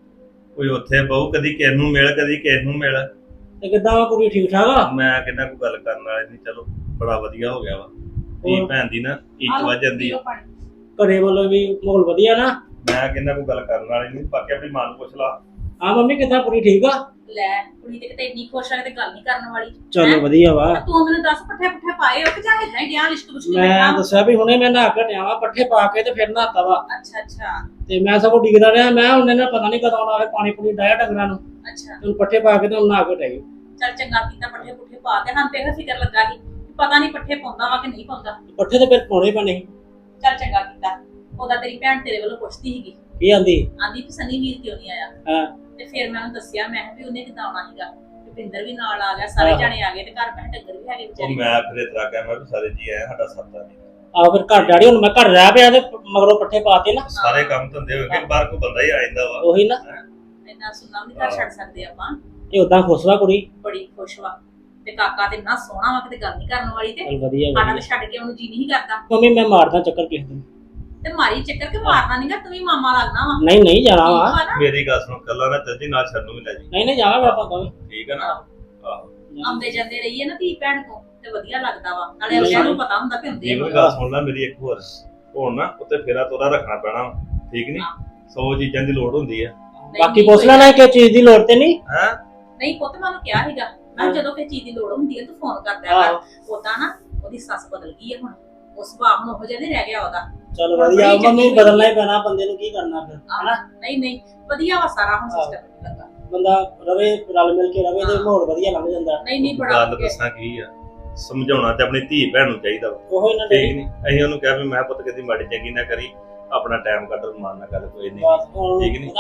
[SPEAKER 7] ਕੋਈ ਉੱਥੇ ਬਹੁ ਕਦੀ ਕਿਸ ਨੂੰ ਮਿਲ, ਕਦੀ ਕਿਸ ਨੂੰ ਮਿਲ।
[SPEAKER 9] ਤੇ ਕਿੱਦਾਂ ਵਾ ਕੁੜੀ ਠੀਕ ਠਾਕ ਆ?
[SPEAKER 7] ਮੈਂ ਕਹਿੰਦਾ ਕੋਈ ਗੱਲ ਕਰਨ ਵਾਲੇ ਨਹੀਂ, ਚਲੋ ਬੜਾ ਵਧੀਆ ਹੋ ਗਿਆ ਵਾ। ਧੀ ਭੈਣ ਦੀ ਨਾ ਇੱਜ਼ਤ ਵੱਧ ਜਾਂਦੀ ਆ।
[SPEAKER 9] ਘਰੇ ਵੱਲੋਂ ਵੀ ਮਾਹੌਲ ਵਧੀਆ ਨਾ?
[SPEAKER 7] ਮੈਂ ਕਹਿੰਦਾ ਕੋਈ ਗੱਲ ਕਰਨ ਵਾਲੀ ਨਹੀਂ, ਬਾਕੀ ਆਪਣੀ ਮਾਂ ਨੂੰ ਪੁੱਛ ਲਾ।
[SPEAKER 9] ਹਾਂ ਮੰਮੀ ਕਿੱਦਾਂ ਕੁੜੀ ਠੀਕ ਆ?
[SPEAKER 4] ਲੈ ਕੁੜੀ ਤੇ ਕਿਤੇ ਇੰਨੀ ਖੁਸ਼ ਆ ਤੇ ਗੱਲ ਨਹੀਂ ਕਰਨ ਵਾਲੀ।
[SPEAKER 9] ਚਲੋ ਵਧੀਆ ਵਾ।
[SPEAKER 4] ਤੂੰ ਮੈਨੂੰ ਦੱਸ ਪੱਠੇ ਪੁੱਠੇ ਪਾਏ ਹੋ ਕਿ ਜਾਂ ਇਦਾਂ ਹੀ ਗਿਆ ਲਿਸ਼ਕ ਬੁਸ਼ਕ
[SPEAKER 9] ਮੈਂ ਦੱਸਿਆ ਵੀ ਹੁਣੇ ਮੈਂ ਨਹਾ ਕੇ ਟਿਆ ਵਾ, ਪੱਠੇ ਪਾ ਕੇ ਤੇ ਫਿਰ ਨਹਾਤਾ ਵਾ।
[SPEAKER 4] ਅੱਛਾ ਅੱਛਾ
[SPEAKER 9] ਤੇ ਮੈਂ ਸਗੋਂ ਡਿੱਗਦਾ ਰਿਹਾ, ਮੈਂ ਉਹਨੇ ਨਾ ਪਤਾ ਨਹੀਂ ਕਦੋਂ ਆਉਣਾ, ਪਾਣੀ ਪੂਣੀ ਡਾਇਆ ਡੰਗਰਾਂ ਨੂੰ।
[SPEAKER 4] ਅੱਛਾ
[SPEAKER 9] ਹੁਣ ਪੱਠੇ ਪਾ ਕੇ ਤੇ ਹੁਣ ਨਹਾ ਕੇ ਟਿਆਈ।
[SPEAKER 4] ਚੱਲ ਚੰਗਾ ਕੀਤਾ ਪੱਠੇ ਪੁੱਠੇ ਪਾ ਕੇ। ਹਾਂ ਤੇ ਇਹ ਫਿਕਰ ਲੱਗਾ ਸੀ ਪਤਾ ਨਹੀਂ ਪੱਠੇ ਪਾਉਂਦਾ ਵਾ ਕਿ ਨਹੀਂ ਪਾਉਂਦਾ।
[SPEAKER 9] ਪੱਠੇ ਤੇ ਫਿਰ ਪਾਉਣੇ ਪੈਣੇ ਸੀ।
[SPEAKER 4] ਚੱਲ ਚੰਗਾ ਕੀਤਾ। ਉਹਦਾ ਤੇਰੀ ਭੈਣ ਤੇਰੇ ਵੱਲੋਂ ਪੁੱਛਦੀ ਸੀਗੀ,
[SPEAKER 9] ਕੀ ਆਂਦੀ?
[SPEAKER 4] ਆਂਦੀ ਵੀ ਸਨੀ ਵੀਰ ਕਿਉਂ ਨਹੀਂ ਆਇਆ।
[SPEAKER 9] ਹਾਂ
[SPEAKER 4] ਤੇ ਫਿਰ ਮੈਂ ਉਹਨੂੰ ਦੱਸਿਆ, ਮੈਂ ਕਿਹਾ ਵੀ ਉਹਨੇ ਕਿੱਦਾਂ ਆਉਣਾ ਸੀਗਾ। ਭਿੰਦਰ ਵੀ ਨਾਲ ਆ ਗਿਆ, ਸਾਰੇ ਜਾਣੇ ਆ ਗਏ ਤੇ ਘਰ ਮੈਂ ਡੰਗਰ ਵੀ ਹੈਗੇ
[SPEAKER 7] ਉਹ
[SPEAKER 4] ਵਿਚਾਰੇ।
[SPEAKER 7] ਮੈਂ ਫਿਰ ਇਤਰਾ ਕਹਿ ਮੈਂ ਵੀ ਸਾਰੇ ਜੀ ਆਏ, ਸਾਡਾ ਸਰਦਾ ਨਹੀਂ।
[SPEAKER 9] ਆਹ ਫਿਰ ਘਰ ਡੈਡੀ ਹੁਣ ਮੈਂ ਘਰ ਰਹਿ ਪਿਆ ਤੇ ਮਗਰੋਂ ਪੱਠੇ ਪਾਤੇ ਨਾ।
[SPEAKER 7] ਸਾਰੇ ਕੰਮ ਧੰਦੇ ਹੋ ਗਏ, ਬਾਹਰ ਕੋਈ ਬੰਦਾ ਹੀ ਆ ਜਾਂਦਾ ਵਾ।
[SPEAKER 9] ਉਹੀ ਨਾ,
[SPEAKER 4] ਇੰਨਾ ਸੁਣਨਾ ਵੀ ਘਰ ਛੱਡ ਸਕਦੇ ਆਪਾਂ।
[SPEAKER 9] ਇਹ ਉਦਾਂ ਖੁਸ਼ ਵਾ ਕੁੜੀ।
[SPEAKER 4] ਬੜੀ ਖੁਸ਼ ਵਾ ਤੇ ਕਾਕਾ ਤੇ ਇੰਨਾ ਸੋਹਣਾ ਵਾ ਕਿਤੇ ਗੱਲ ਨਹੀਂ ਕਰਨ ਵਾਲੀ। ਤੇ
[SPEAKER 9] ਚੱਲ ਵਧੀਆ
[SPEAKER 4] ਸਾਡਾ
[SPEAKER 9] ਵਧੀਆ।
[SPEAKER 4] ਤੇ ਛੱਡ ਕੇ ਉਹਨੂੰ ਜੀ ਨਹੀਂ ਕਰਦਾ।
[SPEAKER 9] ਮੰਮੀ ਮੈਂ ਮਾਰਦਾ ਚੱਕਰ ਕਿਸੇ ਦਿਨ।
[SPEAKER 4] ਤੇ ਮਾਰੀ ਚੱਕਰ ਕਿ ਮਾਰਨਾ ਨਹੀਂਗਾ, ਤੂੰ ਵੀ ਮਾਮਾ ਲੱਗਣਾ ਵਾ।
[SPEAKER 9] ਨਹੀਂ ਨਹੀਂ ਜਾਣਾ ਵਾ।
[SPEAKER 4] ਠੀਕ ਵਾ ਨਾ?
[SPEAKER 7] ਮੇਰੀ ਗੱਲ ਸੁਣ, ਕੱਲਾ ਨਾ ਚੱਲ ਜੀ, ਨਾਲ ਛੱਡ ਨੂੰ ਵੀ ਲੈ ਜੀ।
[SPEAKER 9] ਨਹੀਂ ਨਹੀਂ ਜਾਣਾ ਵਾ ਆਪਾਂ ਤਾਂ।
[SPEAKER 7] ਠੀਕ ਹੈ ਨਾ? ਆਹੋ
[SPEAKER 4] ਆਉਂਦੇ ਜਾਂਦੇ ਰਹੀਏ ਨਾ ਧੀ ਭੈਣ ਤੋਂ ਤੇ ਵਧੀਆ ਲੱਗਦਾ ਵਾ। ਨਾਲੇ ਅਗਲਿਆਂ ਨੂੰ ਪਤਾ ਹੁੰਦਾ ਕਿ ਹੁੰਦੇ
[SPEAKER 7] ਜੀਵਨ ਗੱਲ ਸੁਣ ਲੈ ਮੇਰੀ ਇੱਕ ਹੋਰ। ਹੁਣ ਨਾ ਉੱਤੇ ਫੇਰਾ ਤੋਰਾ ਰੱਖਣਾ ਪੈਣਾ ਵਾ, ਠੀਕ ਨਹੀਂ? 100 ਚੀਜ਼ਾਂ ਦੀ ਲੋੜ ਹੁੰਦੀ ਆ।
[SPEAKER 9] ਬਾਕੀ ਪੁੱਛ ਲੈਣਾ ਕਿ ਚੀਜ਼ ਦੀ ਲੋੜ ਤੇ ਨਹੀਂ।
[SPEAKER 7] ਹੈ
[SPEAKER 4] ਨਹੀਂ ਪੁੱਤ ਮੈਂ ਉਹਨੂੰ ਕਿਹਾ ਸੀਗਾ, ਮੈਂ ਜਦੋਂ ਕਿਸੇ ਚੀਜ਼ ਦੀ ਲੋੜ ਹੁੰਦੀ ਹੈ ਤੂੰ ਫੋਨ ਕਰ ਦਿਆ ਕਰ। ਉਦਾਂ ਨਾ ਉਹਦੀ ਸੱਸ ਬਦਲ ਗਈ ਹੈ ਹੁਣ, ਉਹ ਸੁਭਾਅ ਹੁਣ ਉਹੋ ਜਿਹਾ ਨਹੀਂ ਰਹਿ ਗਿਆ ਉਹਦਾ।
[SPEAKER 9] ਚਲ ਵਧੀਆ, ਮੰਮੀ ਬਦਲਣਾ ਹੀ ਪੈਣਾ ਬੰਦੇ ਨੂੰ, ਕੀ ਕਰਨਾ ਫਿਰ ਹਨਾ।
[SPEAKER 4] ਨਹੀਂ ਨਹੀਂ ਵਧੀਆ ਵਾ ਸਾਰਾ ਹੁਣ ਸਿਸਟਮ ਲੱਗਾ।
[SPEAKER 9] ਬੰਦਾ ਰਵੇ ਰਲ ਮਿਲ ਕੇ ਰਵੇ ਤੇ ਮਾਹੌਲ ਵਧੀਆ ਲੰਘ ਜਾਂਦਾ।
[SPEAKER 4] ਨਹੀਂ ਨਹੀਂ ਬੜਾ
[SPEAKER 7] ਗੱਲ ਦੱਸਾਂ ਕੀ ਆ, ਸਮਝਾਉਣਾ ਤੇ ਆਪਣੀ ਧੀ ਭੈਣ ਨੂੰ ਚਾਹੀਦਾ ਵਾ,
[SPEAKER 9] ਉਹੋ ਇਹਨਾਂ
[SPEAKER 7] ਠੀਕ
[SPEAKER 9] ਦੇ
[SPEAKER 7] ਨਹੀਂ? ਅਸੀਂ ਉਹਨੂੰ ਕਿਹਾ ਵੀ ਮੈਂ ਪੁੱਤ ਕਦੀ ਮਾੜੀ ਚੰਗੀ ਨਾ ਕਰੀ, ਆਪਣਾ ਟਾਈਮ ਕੱਢ, ਮਾਨ ਨਾ ਕਰ, ਕੋਈ ਨਹੀਂ, ਠੀਕ ਨਹੀਂ?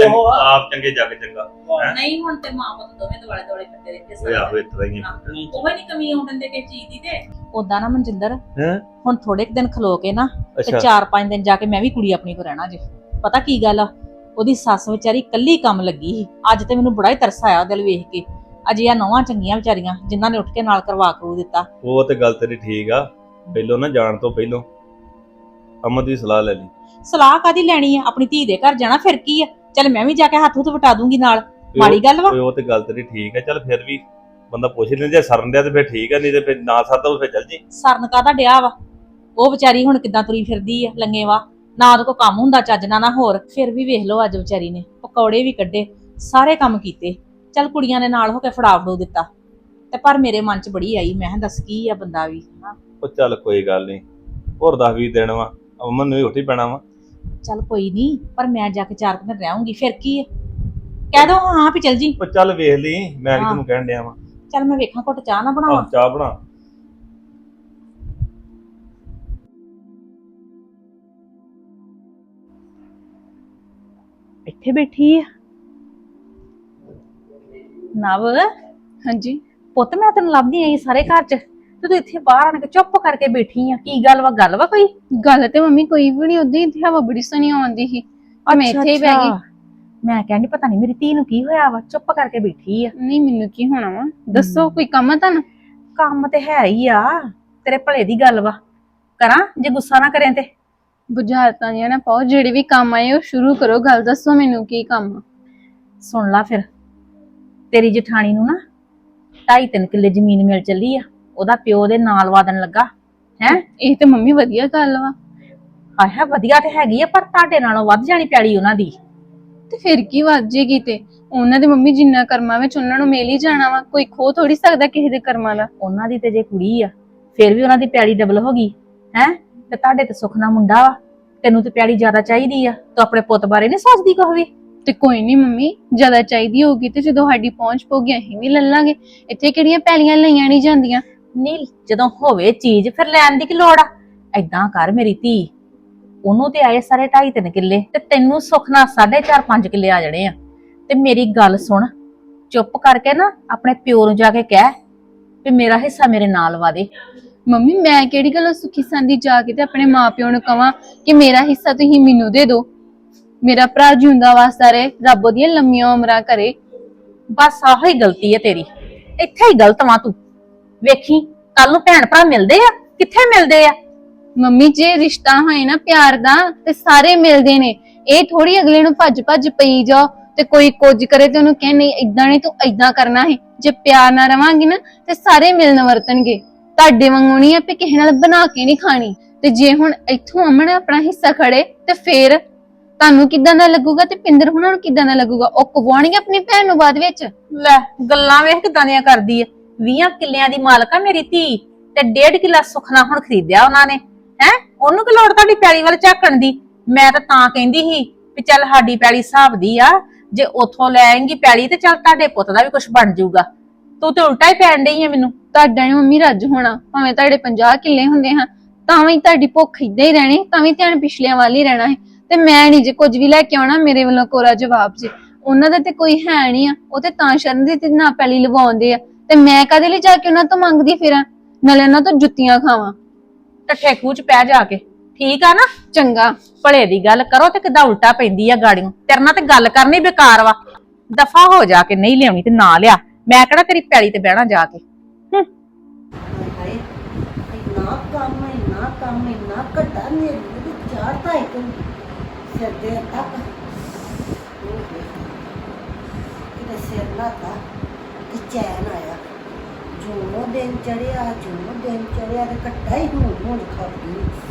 [SPEAKER 7] ਆਪ ਚੰਗੇ ਜੱਗ ਚੰਗਾ।
[SPEAKER 4] ਨਹੀਂ ਹੁਣ ਤੇ ਮਾਂ ਪੁੱਤ ਦੋਵੇਂ ਦੁਆਲੇ ਦੁਆਲੇ ਫਿਰਦੇ ਰਹਿੰਦੇ
[SPEAKER 7] ਹੋਏ ਆਹੋ ਇਸ ਤਰ੍ਹਾਂ ਹੀ ਆ।
[SPEAKER 4] ਉਹ ਨਹੀਂ ਕਮੀ ਆਉਣ ਦਿੰਦੇ ਕਿਸੇ ਚੀਜ਼ ਦੀ। ਤੇ
[SPEAKER 10] ਉਦਾਂ ਨਾ ਮਨਜਿੰਦਰ,
[SPEAKER 7] ਹੈਂ?
[SPEAKER 10] ਹੁਣ ਥੋੜੇ ਕੁ ਦਿਨ ਖਲੋ ਕੇ ਨਾ ਤੇ
[SPEAKER 7] ਅੱਛਾ
[SPEAKER 10] 4-5 ਦਿਨ ਜਾ ਕੇ ਮੈਂ ਵੀ ਕੁੜੀ ਆਪਣੀ ਕੋ ਰਹਿਣਾ ਜੇ। ਪਤਾ ਕੀ ਗੱਲ ਆ, ਉਹਦੀ ਸੱਸ ਵਿਚਾਰੀ ਕੱਲੀ ਕੰਮ ਲੱਗੀ ਸੀ। ਅੱਜ ਤੇ ਮੈਨੂੰ ਬੜਾ ਹੀ ਤਰਸ ਆਇਆ ਉਹਦੇ ਵੱਲ ਵੇਖ ਕੇ। ਅਜੇ ਆ ਨੌਵਾਂ ਚੰਗੀਆਂ ਵਿਚਾਰੀਆਂ ਜਿਨ੍ਹਾਂ ਨੇ ਉੱਠ ਕੇ ਨਾਲ ਕਰਵਾ ਕਰੂ ਦਿੱਤਾ।
[SPEAKER 7] ਉਹ ਤੇ ਗੱਲ ਤੇਰੀ ਠੀਕ ਆ, ਪਹਿਲੋਂ ਨਾ ਜਾਣ ਤੋਂ ਪਹਿਲੋਂ ਅਮਨ ਦੀ ਸਲਾਹ ਲੈ ਲਈ।
[SPEAKER 10] ਸਲਾਹ ਕਾਦੀ ਲੈਣੀ ਆ, ਆਪਣੀ ਧੀ ਦੇ ਘਰ ਜਾਣਾ, ਫਿਰ ਕੀ ਆ। ਚੱਲ ਮੈਂ ਵੀ ਜਾ ਕੇ ਹੱਥ ਹੁੱਥ ਵਟਾ ਦੂੰਗੀ ਨਾਲ, ਮਾੜੀ ਗੱਲ ਵਾ।
[SPEAKER 7] ਉਹ ਤੇ ਗੱਲ ਤੇਰੀ ਠੀਕ ਆ, ਚੱਲ ਫਿਰ ਵੀ ਬੰਦਾ ਪੁੱਛ ਲੈਂਦਾ, ਜੇ ਸਰਨ ਡਿਆ ਤੇ ਫਿਰ ਠੀਕ ਆ, ਨਹੀਂ ਤੇ ਫਿਰ ਨਾ ਸਰਦਾ ਉਹ ਫਿਰ ਚੱਲ ਜੀ।
[SPEAKER 10] ਸਰਨ ਕਾਹਦਾ ਡਿਆ ਵਾ, ਉਹ ਵਿਚਾਰੀ ਹੁਣ ਕਿੱਦਾਂ ਤੁਰੀ ਫਿਰਦੀ ਆ ਲੰਗੇ ਵਾ, ਨਾ ਉਹਦੇ ਕੋ ਕੰਮ ਹੁੰਦਾ ਚੱਜ ਨਾਲ ਨਾ ਹੋਰ। ਫਿਰ ਵੀ ਵੇਖ ਲਓ ਅੱਜ ਵਿਚਾਰੀ ਨੇ ਪਕੌੜੇ ਵੀ ਕੱਢੇ, ਸਾਰੇ ਕੰਮ ਕੀਤੇ। ਚੱਲ ਕੁੜੀਆਂ ਦੇ ਨਾਲ ਹੋ ਕੇ ਫੜਾ ਫੜੋ ਦਿੱਤਾ, ਤੇ ਪਰ ਮੇਰੇ ਮਨ 'ਚ ਬੜੀ ਆਈ, ਮੈਂ ਕਿਹਾ ਦੱਸ ਕੀ ਆ ਬੰਦਾ ਵੀ ਹਨਾ।
[SPEAKER 7] ਉਹ ਚੱਲ ਕੋਈ ਗੱਲ ਨਹੀਂ, ਹੋਰ 10-20 ਦਿਨ ਵਾ, ਅਮਨ ਨੂੰ ਵੀ ਉੱਠ ਹੀ ਪੈਣਾ ਵਾ।
[SPEAKER 10] ਚੱਲ ਕੋਈ ਨਹੀਂ, ਪਰ ਮੈਂ ਜਾ ਕੇ 4 ਦਿਨ ਰਹਾਂਗੀ, ਫਿਰ ਕੀ ਆ, ਕਹਿ ਦੋ ਹਾਂ ਵੀ ਚੱਲ ਜੀ।
[SPEAKER 7] ਉਹ ਚੱਲ ਵੇਖ ਲਈ, ਮੈਂ ਕਿ ਤੈਨੂੰ ਕਹਿਣ ਡਿਆ ਵਾ।
[SPEAKER 10] ਚੱਲ ਮੈਂ ਵੇਖਾਂ ਘੁੱਟ ਚਾਹ ਨਾ ਬਣਾਵਾਂ।
[SPEAKER 7] ਚਾਹ ਬਣਾ।
[SPEAKER 10] ਇੱਥੇ ਬੈਠੀ ਆ ਨਵ?
[SPEAKER 2] ਹਾਂਜੀ
[SPEAKER 10] ਪੁੱਤ ਮੈਂ ਤੈਨੂੰ ਲੱਭਦੀ ਆਈ ਸਾਰੇ ਘਰ 'ਚ, ਤੇ ਤੂੰ ਇੱਥੇ ਬਾਹਰ ਆਣ ਕੇ ਚੁੱਪ ਕਰਕੇ ਬੈਠੀ ਆ। ਕੀ ਗੱਲ ਵਾ ਕੋਈ?
[SPEAKER 2] ਗੱਲ ਤੇ ਮੰਮੀ ਕੋਈ ਵੀ ਨਹੀਂ, ਉਦਾਂ ਹੀ ਇੱਥੇ ਹਵਾ ਬੜੀ ਸੋਹਣੀ ਆਉਂਦੀ ਸੀ ਤੇ ਮੈਂ ਇੱਥੇ ਹੀ ਬਹਿ ਗਈ।
[SPEAKER 10] ਮੈਂ ਕਹਿੰਦੀ ਪਤਾ ਨਹੀਂ ਮੇਰੀ ਧੀ ਨੂੰ ਕੀ ਹੋਇਆ ਵਾ, ਚੁੱਪ ਕਰਕੇ ਬੈਠੀ ਆ।
[SPEAKER 2] ਨਹੀਂ ਮੈਨੂੰ ਕੀ ਹੋਣਾ ਵਾ, ਦੱਸੋ ਕੋਈ ਕੰਮ ਆ ਤੁਹਾਨੂੰ?
[SPEAKER 10] ਕੰਮ ਤੇ ਹੈ ਹੀ ਆ, ਤੇਰੇ ਭਲੇ ਦੀ ਗੱਲ ਵਾ। ਕਰਾਂ ਜੇ ਗੁੱਸਾ ਨਾ ਕਰੇ ਤੇ?
[SPEAKER 2] ਬੁਝਾਰਤਾਂ ਦੀਆਂ ਨਾ ਪਾਓ, ਜਿਹੜੇ ਵੀ ਕੰਮ ਆਏ ਉਹ ਸ਼ੁਰੂ ਕਰੋ, ਗੱਲ ਦੱਸੋ ਮੈਨੂੰ ਕੀ ਕੰਮ ਆ।
[SPEAKER 10] ਸੁਣ ਲਾ ਫਿਰ, ਤੇਰੀ ਜਠਾਣੀ ਨੂੰ ਨਾ 2.5-3 ਕਿੱਲੇ ਜ਼ਮੀਨ ਮਿਲ ਚੱਲੀ ਆ।
[SPEAKER 4] ਉਹਦਾ ਪਿਓ ਦੇ ਨਾਲ ਵਾਦਨ ਲੱਗਾ ਹੈ।
[SPEAKER 2] ਇਹ ਤੇ ਮੰਮੀ ਵਧੀਆ ਗੱਲ ਵਾ।
[SPEAKER 4] ਆਹ ਵਧੀਆ ਤੇ ਹੈਗੀ ਆ, ਪਰ ਤੁਹਾਡੇ ਨਾਲੋਂ ਵੱਧ ਜਾਣੀ ਪੈਲੀ ਉਹਨਾਂ ਦੀ।
[SPEAKER 2] ਤੇ ਫਿਰ ਕੀ ਵੱਜ ਜੇਗੀ? ਤੇ ਉਹਨਾਂ ਦੇ ਮੰਮੀ ਜਿੰਨਾ ਕਰਮਾਂ ਵਿੱਚ ਉਹਨਾਂ ਨੂੰ ਮਿਲ ਹੀ ਜਾਣਾ ਵਾ, ਕੋਈ ਖੋ ਥੋੜੀ ਸਕਦਾ ਕਿਸੇ ਦੇ ਕਰਮਾਂ ਦਾ।
[SPEAKER 4] ਉਹਨਾਂ ਦੀ ਤੇ ਜੇ ਕੁੜੀ ਆ ਫਿਰ ਵੀ ਉਹਨਾਂ ਦੀ ਪੈਲੀ ਡਬਲ ਹੋ ਗਈ ਹੈ। ਤੇ ਤੁਹਾਡੇ ਤੇ ਸੁੱਖ ਨਾਲ ਮੁੰਡਾ ਵਾ, ਤੈਨੂੰ ਤੇ ਪੈਲੀ ਜ਼ਿਆਦਾ ਚਾਹੀਦੀ ਆ। ਤੂੰ ਆਪਣੇ ਪੁੱਤ ਬਾਰੇ ਨਹੀਂ ਸੋਚਦੀ ਕੁਛ ਵੀ?
[SPEAKER 2] ਤੇ ਕੋਈ ਨਹੀਂ ਮੰਮੀ, ਜ਼ਿਆਦਾ ਚਾਹੀਦੀ ਹੋਊਗੀ ਤੇ ਜਦੋਂ ਸਾਡੀ ਪਹੁੰਚ ਪਊਗੀ ਅਸੀਂ ਵੀ ਲੈ ਲਾਂਗੇ। ਇੱਥੇ ਕਿਹੜੀਆਂ ਪੈਲੀਆਂ ਲਈਆਂ ਨਹੀਂ ਜਾਂਦੀਆਂ।
[SPEAKER 4] ਨਹੀਂ, ਜਦੋਂ ਹੋਵੇ ਚੀਜ਼ ਫਿਰ ਲੈਣ ਦੀ ਕੀ ਲੋੜ ਆ? ਏਦਾਂ ਕਰ ਮੇਰੀ ਧੀ, ਉਹਨੂੰ ਤੇ ਆਏ ਸਾਰੇ 2.5-3 ਕਿੱਲੇ ਤੇ ਤੈਨੂੰ ਸੁੱਖ ਨਾਲ 4.5-5 ਕਿੱਲੇ ਆ ਜਾਣੇ ਆ। ਤੇ ਮੇਰੀ ਗੱਲ ਸੁਣ, ਚੁੱਪ ਕਰਕੇ ਨਾ ਆਪਣੇ ਪਿਓ ਨੂੰ ਜਾ ਕੇ ਕਹਿ ਵੀ ਮੇਰਾ ਹਿੱਸਾ ਮੇਰੇ ਨਾਲ ਵਾ ਦੇ।
[SPEAKER 2] ਮੰਮੀ ਮੈਂ ਕਿਹੜੀ ਗੱਲੋਂ ਸੁਖੀ ਸੰਦੀ ਜਾ ਕੇ ਤੇ ਆਪਣੇ ਮਾਪਿਓ ਨੂੰ ਕਵਾਂ ਕਿ ਮੇਰਾ ਹਿੱਸਾ ਤੁਸੀਂ ਮੈਨੂੰ ਦੇ ਦਿਓ। ਮੇਰਾ ਭਰਾ ਜਿਉਂਦਾ ਵਾਸਤਾ ਰਹੇ, ਰੱਬ ਉਹਦੀਆਂ ਲੰਮੀਆਂ ਉਮਰਾਂ ਕਰੇ।
[SPEAKER 4] ਬਸ ਆਹੋ ਹੀ ਗਲਤੀ ਹੈ ਤੇਰੀ, ਇੱਥੇ ਹੀ ਗਲਤ ਵਾਂ ਤੂੰ। ਵੇਖੀ ਕੱਲ ਨੂੰ ਭੈਣ ਭਰਾ ਮਿਲਦੇ ਆ, ਕਿੱਥੇ ਮਿਲਦੇ ਆ?
[SPEAKER 2] ਮੰਮੀ ਜੇ ਰਿਸ਼ਤਾ ਹੋਏ ਨਾ ਪਿਆਰ ਦਾ ਤੇ ਸਾਰੇ ਮਿਲਦੇ ਨੇ। ਇਹ ਥੋੜੀ ਅਗਲੇ ਨੂੰ ਭੱਜ ਭੱਜ ਪਈ ਜਾਓ ਤੇ ਕੋਈ ਕੁਝ ਕਰੇ ਤੇ ਉਹਨੂੰ ਕਹੇ ਨਹੀਂ ਏਦਾਂ ਨਹੀਂ ਤੂੰ ਏਦਾਂ ਕਰਨਾ ਹੈ। ਜੇ ਪਿਆਰ ਨਾਲ ਰਵਾਂਗੇ ਨਾ ਤੇ ਸਾਰੇ ਮਿਲਣ ਵਰਤਣਗੇ। ਤੁਹਾਡੇ ਵਾਂਗੂ ਨਹੀਂ ਆਪੇ ਕਿਸੇ ਨਾਲ ਬਣਾ ਕੇ ਨਹੀਂ ਖਾਣੀ। ਤੇ ਜੇ ਹੁਣ ਇੱਥੋਂ ਅਮਨ ਆਪਣਾ ਹਿੱਸਾ ਖੜੇ ਤੇ ਫੇਰ ਤੁਹਾਨੂੰ ਕਿੱਦਾਂ ਦਾ ਲੱਗੂਗਾ ਤੇ ਪਿੰਦਰ ਹੁਣਾਂ ਨੂੰ ਕਿੱਦਾਂ ਦਾ ਲੱਗੂਗਾ? ਉਹ ਕਵਾਉਣਗੇ ਆਪਣੀ ਭੈਣ ਨੂੰ ਬਾਅਦ ਵਿੱਚ।
[SPEAKER 4] ਲੈ ਗੱਲਾਂ ਵੇਖ ਕਿਦਾਂ ਦੀਆਂ ਕਰਦੀ ਆ। 20 ਕਿੱਲਿਆਂ ਦੀ ਮਾਲਕ ਆ ਮੇਰੀ ਧੀ ਤੇ 1.5 ਕਿੱਲਾ ਸੁਖਨਾ ਹੁਣ ਖਰੀਦਿਆ ਉਹਨਾਂ ਨੇ ਹੈ। ਉਹਨੂੰ ਕੀ ਲੋੜ ਤੁਹਾਡੀ ਪੈਲੀ ਵੱਲ ਝਾਕਣ ਦੀ? ਮੈਂ ਤਾਂ ਕਹਿੰਦੀ ਸੀ ਵੀ ਚੱਲ ਸਾਡੀ ਪੈਲੀ ਹਿਸਾਬ ਦੀ ਆ, ਜੇ ਉੱਥੋਂ ਲੈ ਆਏਂਗੀ ਪੈਲੀ ਤੇ ਚੱਲ ਤੁਹਾਡੇ ਪੁੱਤ ਦਾ ਵੀ ਕੁਝ ਬਣ ਜਾਊਗਾ। ਤੂੰ ਤੇ ਉਲਟਾ ਹੀ ਪੈਣ ਡਈ ਆ ਮੈਨੂੰ।
[SPEAKER 2] ਤੁਹਾਡਾ ਨੀ ਮੰਮੀ ਰੱਜ ਹੋਣਾ, ਭਾਵੇਂ ਤੁਹਾਡੇ 50 ਕਿੱਲੇ ਹੁੰਦੇ ਹਾਂ ਤਾਂ ਵੀ ਤੁਹਾਡੀ ਭੁੱਖ ਏਦਾਂ ਹੀ ਰਹਿਣੀ, ਤਾਂ ਵੀ ਧਿਆਨ ਪਿਛਲਿਆਂ ਵੱਲ ਹੀ ਰਹਿਣਾ ਹੈ। ਤੇ ਮੈਂ ਨਹੀਂ ਜੇ ਕੁਝ ਵੀ ਲੈ ਕੇ ਆਉਣਾ, ਮੇਰੇ ਵੱਲੋਂ ਕੋਰਾ ਜਵਾਬ ਜੇ। ਉਹਨਾਂ ਦਾ ਤੇ ਕੋਈ ਹੈ ਨਹੀਂ ਆ, ਉਹ ਤੇ ਤਾਂ ਸ਼ਰਨ ਦੀ ਤੇ ਨਾ ਪੈਲੀ ਲਵਾਉਂਦੇ ਆ ਤੇ ਮੈਂ ਕਦੇ ਲਈ ਜਾ ਕੇ ਉਹਨਾਂ ਤੋਂ ਮੰਗਦੀ ਫਿਰਾਂ, ਨਾਲੇ ਉਹਨਾਂ ਤੋਂ ਜੁੱਤੀਆਂ ਖਾਵਾਂ।
[SPEAKER 4] ਟੱਠੇ ਖੂਹ ਚ ਪੈ ਜਾ ਕੇ, ਠੀਕ ਆ ਨਾ?
[SPEAKER 2] ਚੰਗਾ
[SPEAKER 4] ਭਲੇ ਦੀ ਗੱਲ ਕਰੋ ਤੇ ਕਿੱਦਾਂ ਉਲਟਾ ਪੈਂਦੀ ਆ ਗਾੜੀਆਂ। ਤੇਰੇ ਨਾਲ ਤੇ ਗੱਲ ਕਰਨੀ ਬੇਕਾਰ ਵਾ। ਦਫਾ ਹੋ ਜਾ ਕੇ, ਨਹੀਂ ਲਿਆਉਣੀ ਤੇ ਨਾ ਲਿਆ। ਮੈਂ ਕਿਹੜਾ ਤੇਰੀ ਪੈਲੀ ਤੇ ਬਹਿਣਾ ਜਾ ਕੇ।
[SPEAKER 11] ਇੰਨਾ ਘੱਟਾ ਮੇਰੇ ਚਾੜਤਾ ਇੱਕ ਸਿਰ ਦੇ ਤੱਕ ਕਿਤੇ ਸਿਰ ਲਾਤਾ ਕਿ ਚੈਨ ਆਇਆ। ਜੋ ਦਿਨ ਚੜਿਆ ਤੇ ਘੱਟਾ ਹੀ ਹੁਣ ਖਾਦੀ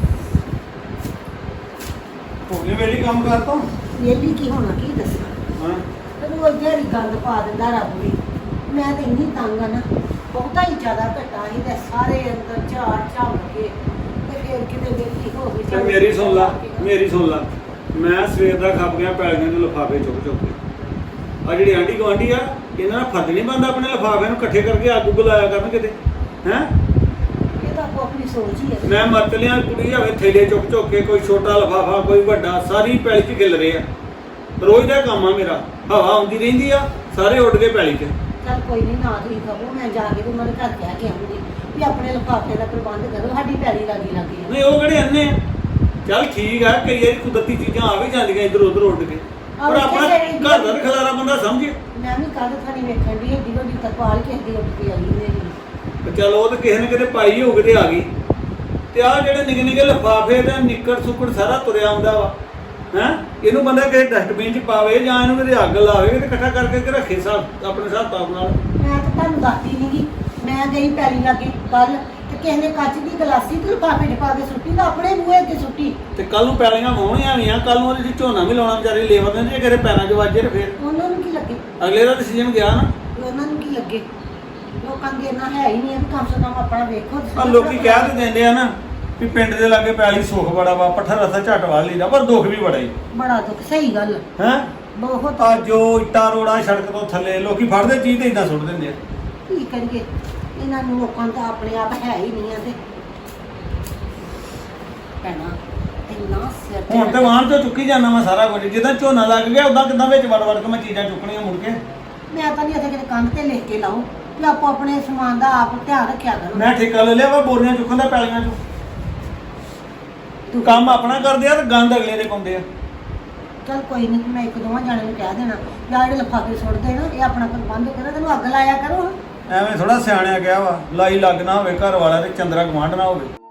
[SPEAKER 9] ਹੋਣੇ ਵੇਲੀ ਕੰਮ ਕਰਤਾ
[SPEAKER 11] ਵੇਲੀ ਕੀ ਹੋਣਾ ਕੀ ਦੱਸਾਂ।
[SPEAKER 9] ਹਾਂ
[SPEAKER 11] ਤੈਨੂੰ ਉਹ ਜਿਹੜੀ ਗੰਦ ਪਾ ਦਿੰਦਾ ਰੱਬ ਵੀ। ਮੈਂ ਤਾਂ ਇੰਨੀ ਤੰਗ ਆ ਨਾ, ਬਹੁਤਾ ਹੀ ਜ਼ਿਆਦਾ ਘਟਾ ਸੀ ਤੇ ਸਾਰੇ ਅੰਦਰ ਝਾੜ ਝਾੜ ਕੇ ਤੇ ਫਿਰ ਕਿਤੇ ਵੇਲੀ ਹੋ ਗਈ।
[SPEAKER 9] ਤੇ ਮੇਰੀ ਸੁਣ ਲਾ ਮੈਂ ਸਵੇਰ ਦਾ ਖੱਪ ਗਿਆ ਪੈਲੀਆਂ ਦੇ ਲਿਫਾਫੇ ਚੁੱਕ ਕੇ। ਆ ਜਿਹੜੀ ਆਂਢੀ ਗੁਆਂਢੀ ਆ ਇਹਨਾਂ ਦਾ ਫਰਜ਼ ਨਹੀਂ ਬਣਦਾ ਆਪਣੇ ਲਿਫਾਫਿਆਂ ਨੂੰ ਇਕੱਠੇ ਕਰਕੇ ਅੱਗ ਬੁਲਾਇਆ ਕਰਨ ਕਿਤੇ ਹੈ।
[SPEAKER 11] ਇਹ ਤਾਂ ਆਪੋ ਆਪਣੀ ਸੋਚ ਹੀ ਹੈ।
[SPEAKER 9] ਮੈਂ ਮਰਤ ਲਿਆ ਕੁੜੀ ਆਵੇ ਥੈਲੇ ਚੁੱਕ ਕੇ, ਕੋਈ ਛੋਟਾ ਲਿਫਾਫਾ ਕੋਈ ਵੱਡਾ, ਸਾਰੀ ਪੈਲੀ 'ਚ ਖਿਲ ਰਹੇ ਆ। ਰੋਜ਼ ਦਾ ਕੰਮ ਆ ਮੇਰਾ, ਹਵਾ ਆਉਂਦੀ ਰਹਿੰਦੀ ਆ, ਸਾਰੇ ਉੱਡ ਕੇ ਪੈਲੀ 'ਚ।
[SPEAKER 11] ਚੱਲ ਕੋਈ ਨਹੀਂ, ਨਾ ਤੁਸੀਂ ਕਹੋ, ਮੈਂ ਜਾ ਕੇ ਉਹਨਾਂ ਦੇ ਘਰ ਕਹਿ ਕੇ ਆਉਂਗੀ ਵੀ ਆਪਣੇ ਲਿਫਾਫੇ ਦਾ ਪ੍ਰਬੰਧ ਕਰੋ, ਸਾਡੀ ਪੈਲੀ ਲੱਗੀ
[SPEAKER 9] ਨਹੀਂ ਉਹ ਕਿਹੜੇ ਅੰਨੇ ਆ। ਚੱਲ ਠੀਕ ਆ, ਕਈ ਵਾਰੀ ਕੁਦਰਤੀ ਚੀਜ਼ਾਂ ਆ ਵੀ ਜਾਂਦੀਆਂ ਇੱਧਰ ਉੱਧਰ ਉੱਡ ਕੇ, ਪਰ ਆਪਣਾ ਘਰ ਦਾ ਖਲਾਰਾ ਬੰਦਾ ਸਮਝੇ।
[SPEAKER 11] ਮੈਂ ਵੀ ਕੱਲ ਥਾਣੀ ਵੇਖਣ ਦੀ ਏਡੀ ਵੱਡੀ ਤਰਪਾਲ ਕਿਸੇ ਦੀ ਉੱਡ ਕੇ ਆਈ ਮੇਰੀ।
[SPEAKER 9] ਚਲ ਉਹ ਤਾਂ ਕਿਸੇ ਨੇ ਕਿਤੇ ਪਾਈ ਹੋਊ ਤੇ ਆ ਗਈ। ਤੇ ਆਹ ਜਿਹੜੇ ਨਿੱਕੇ ਨਿੱਕੇ ਲਿਫਾਫੇ ਤੇ ਨਿੱਕੜ ਸੁੱਕੜ ਸਾਰਾ ਤੁਰਿਆ ਆਉਂਦਾ ਵਾ ਹੈ। ਇਹਨੂੰ ਬੰਦਾ ਕਿਸੇ ਡਸਟਬਿਨ 'ਚ ਪਾਵੇ ਜਾਂ ਇਹਨੂੰ ਕਿਤੇ ਅੱਗ ਲਾਵੇ ਤੇ ਇਕੱਠਾ ਕਰਕੇ ਰੱਖੇ ਆਪਣੇ ਹਿਸਾਬ ਨਾਲ।
[SPEAKER 11] ਮੈਂ ਤਾਂ ਤੁਹਾਨੂੰ ਦੱਸਦੀ ਨੀ ਗੀ, ਮੈਂ ਗਈ ਪੈਲੀ ਲਾਗੇ ਕੱਲ ਤੇ ਕਿਸੇ ਨੇ ਕੱਚ ਦੀ ਗਲਾਸੀ ਤੇ ਲਿਫਾਫੇ 'ਚ ਪਾ ਕੇ ਸੁੱਟੀ ਤਾਂ ਆਪਣੇ ਬੂਹੇ ਤੇ ਸੁੱਟੀ।
[SPEAKER 9] ਤੇ ਕੱਲ ਨੂੰ ਪੈਲੀਆਂ ਵਾਹੁਣੀਆਂ ਵੀ ਆ, ਕੱਲ ਨੂੰ ਉਹਦੇ 'ਚ ਝੋਨਾ ਵੀ ਲਾਉਣਾ ਵਿਚਾਰੇ ਲੇਬਰ ਨੇ, ਜੇ ਕਿਤੇ ਪੈਰਾਂ 'ਚ ਵੱਜੇ ਤੇ ਫਿਰ
[SPEAKER 11] ਉਹਨਾਂ ਨੂੰ ਕੀ ਲੱਗੇ?
[SPEAKER 9] ਅਗਲੇ ਦਾ ਡਿਸੀਜਨ ਗਿਆ ਨਾ।
[SPEAKER 11] ਉਹਨਾਂ ਨੂੰ ਕੀ ਲੱਗੇ? ਲੋਕਾਂ ਦੀ ਇੰਨਾ ਹੈ ਹੀ ਨਹੀਂ, ਕਮ ਸੇ ਕਮ ਆਪਣਾ ਵੇਖੋ।
[SPEAKER 9] ਆ ਲੋਕੀ ਕਹਿ ਤੇ ਦਿੰਦੇ ਆ ਨਾ ਵੀ ਪਿੰਡ ਦੇ ਲਾਗੇ ਪੈਲੀ ਸੁੱਖ ਬੜਾ ਵਾ, ਪੱਠਾ ਰਸਾ ਝੱਟ ਵਾਲ ਲਈਦਾ, ਪਰ ਦੁੱਖ ਵੀ ਬੜਾ ਹੀ।
[SPEAKER 11] ਬੜਾ ਦੁੱਖ, ਸਹੀ ਗੱਲ
[SPEAKER 9] ਹੈ।
[SPEAKER 11] ਬਹੁਤ
[SPEAKER 9] ਆ ਜੋ ਇੱਟਾਂ ਰੋੜਾ ਸੜਕ ਤੋਂ ਥੱਲੇ ਲੋਕੀ ਫੜਦੇ ਚੀਜ਼ ਤੇ ਇਦਾਂ ਸੁੱਟ ਦਿੰਦੇ ਆ।
[SPEAKER 11] ਕੀ ਕਰੀਏ, ਇਹਨਾਂ ਨੂੰ ਲੋਕਾਂ ਦਾ ਆਪਣੇ ਆਪ ਹੈ ਹੀ ਨਹੀਂ ਆ। ਤੇ ਭੈਣਾ ਇੰਨਾ ਸਿਰ ਤੇ
[SPEAKER 9] ਹੁਣ ਤੇ ਵਾਹਨ ਤੋਂ ਚੁੱਕੀ ਜਾਂਦਾ ਮੈਂ ਸਾਰਾ ਕੁਝ, ਜਿੱਦਾਂ ਝੋਨਾ ਲੱਗ ਗਿਆ ਉਦਾਂ ਕਿੱਦਾਂ ਵਿੱਚ ਵੜ ਕੇ ਮੈਂ ਚੀਜ਼ਾਂ ਚੁੱਕਣੀਆਂ ਮੁੜ ਕੇ।
[SPEAKER 11] ਮੈਂ ਤਾਂ ਨਹੀਂ ਇੱਥੇ ਕਿਤੇ ਕੰਧ ਤੇ ਲਿਖ ਕੇ ਲਾਉ ਵੀ ਆਪੋ ਆਪਣੇ ਸਮਾਨ ਦਾ ਆਪ ਧਿਆਨ ਰੱਖਿਆ ਕਰੋ।
[SPEAKER 9] ਮੈਂ ਠੇਕਾ ਲੈ ਲਿਆ ਵਾ ਬੋਰੀਆਂ ਚੁੱਕਣ ਦਾ ਪੈਲੀਆਂ ਚੋਂ। ਤੂੰ ਕੰਮ ਆਪਣਾ ਕਰਦੇ ਆ ਤੇ ਗੰਦ ਅਗਲੇ ਦੇ ਪਾਉਂਦੇ ਆ।
[SPEAKER 11] ਚੱਲ ਕੋਈ ਨਹੀਂ, ਮੈਂ ਇੱਕ ਦੋਵਾਂ ਜਾਣੇ ਨੂੰ ਕਹਿ ਦੇਣਾ ਜਾਂ ਜਿਹੜੇ ਲਿਫਾਫੇ ਸੁੱਟਦੇ ਨਾ ਇਹ ਆਪਣਾ ਪ੍ਰਬੰਧ ਕਰੋ, ਤੈਨੂੰ ਅੱਗ ਲਾਇਆ ਕਰੋ।
[SPEAKER 9] ਐਵੇਂ ਥੋੜਾ ਸਿਆਣਿਆ ਗਿਆ ਵਾ, ਲਾਈ ਲੱਗ ਨਾ ਹੋਵੇ ਘਰ ਵਾਲਾ ਤੇ ਚੰਦਰਾ ਗਵਾਂਢ ਨਾ ਹੋਵੇ।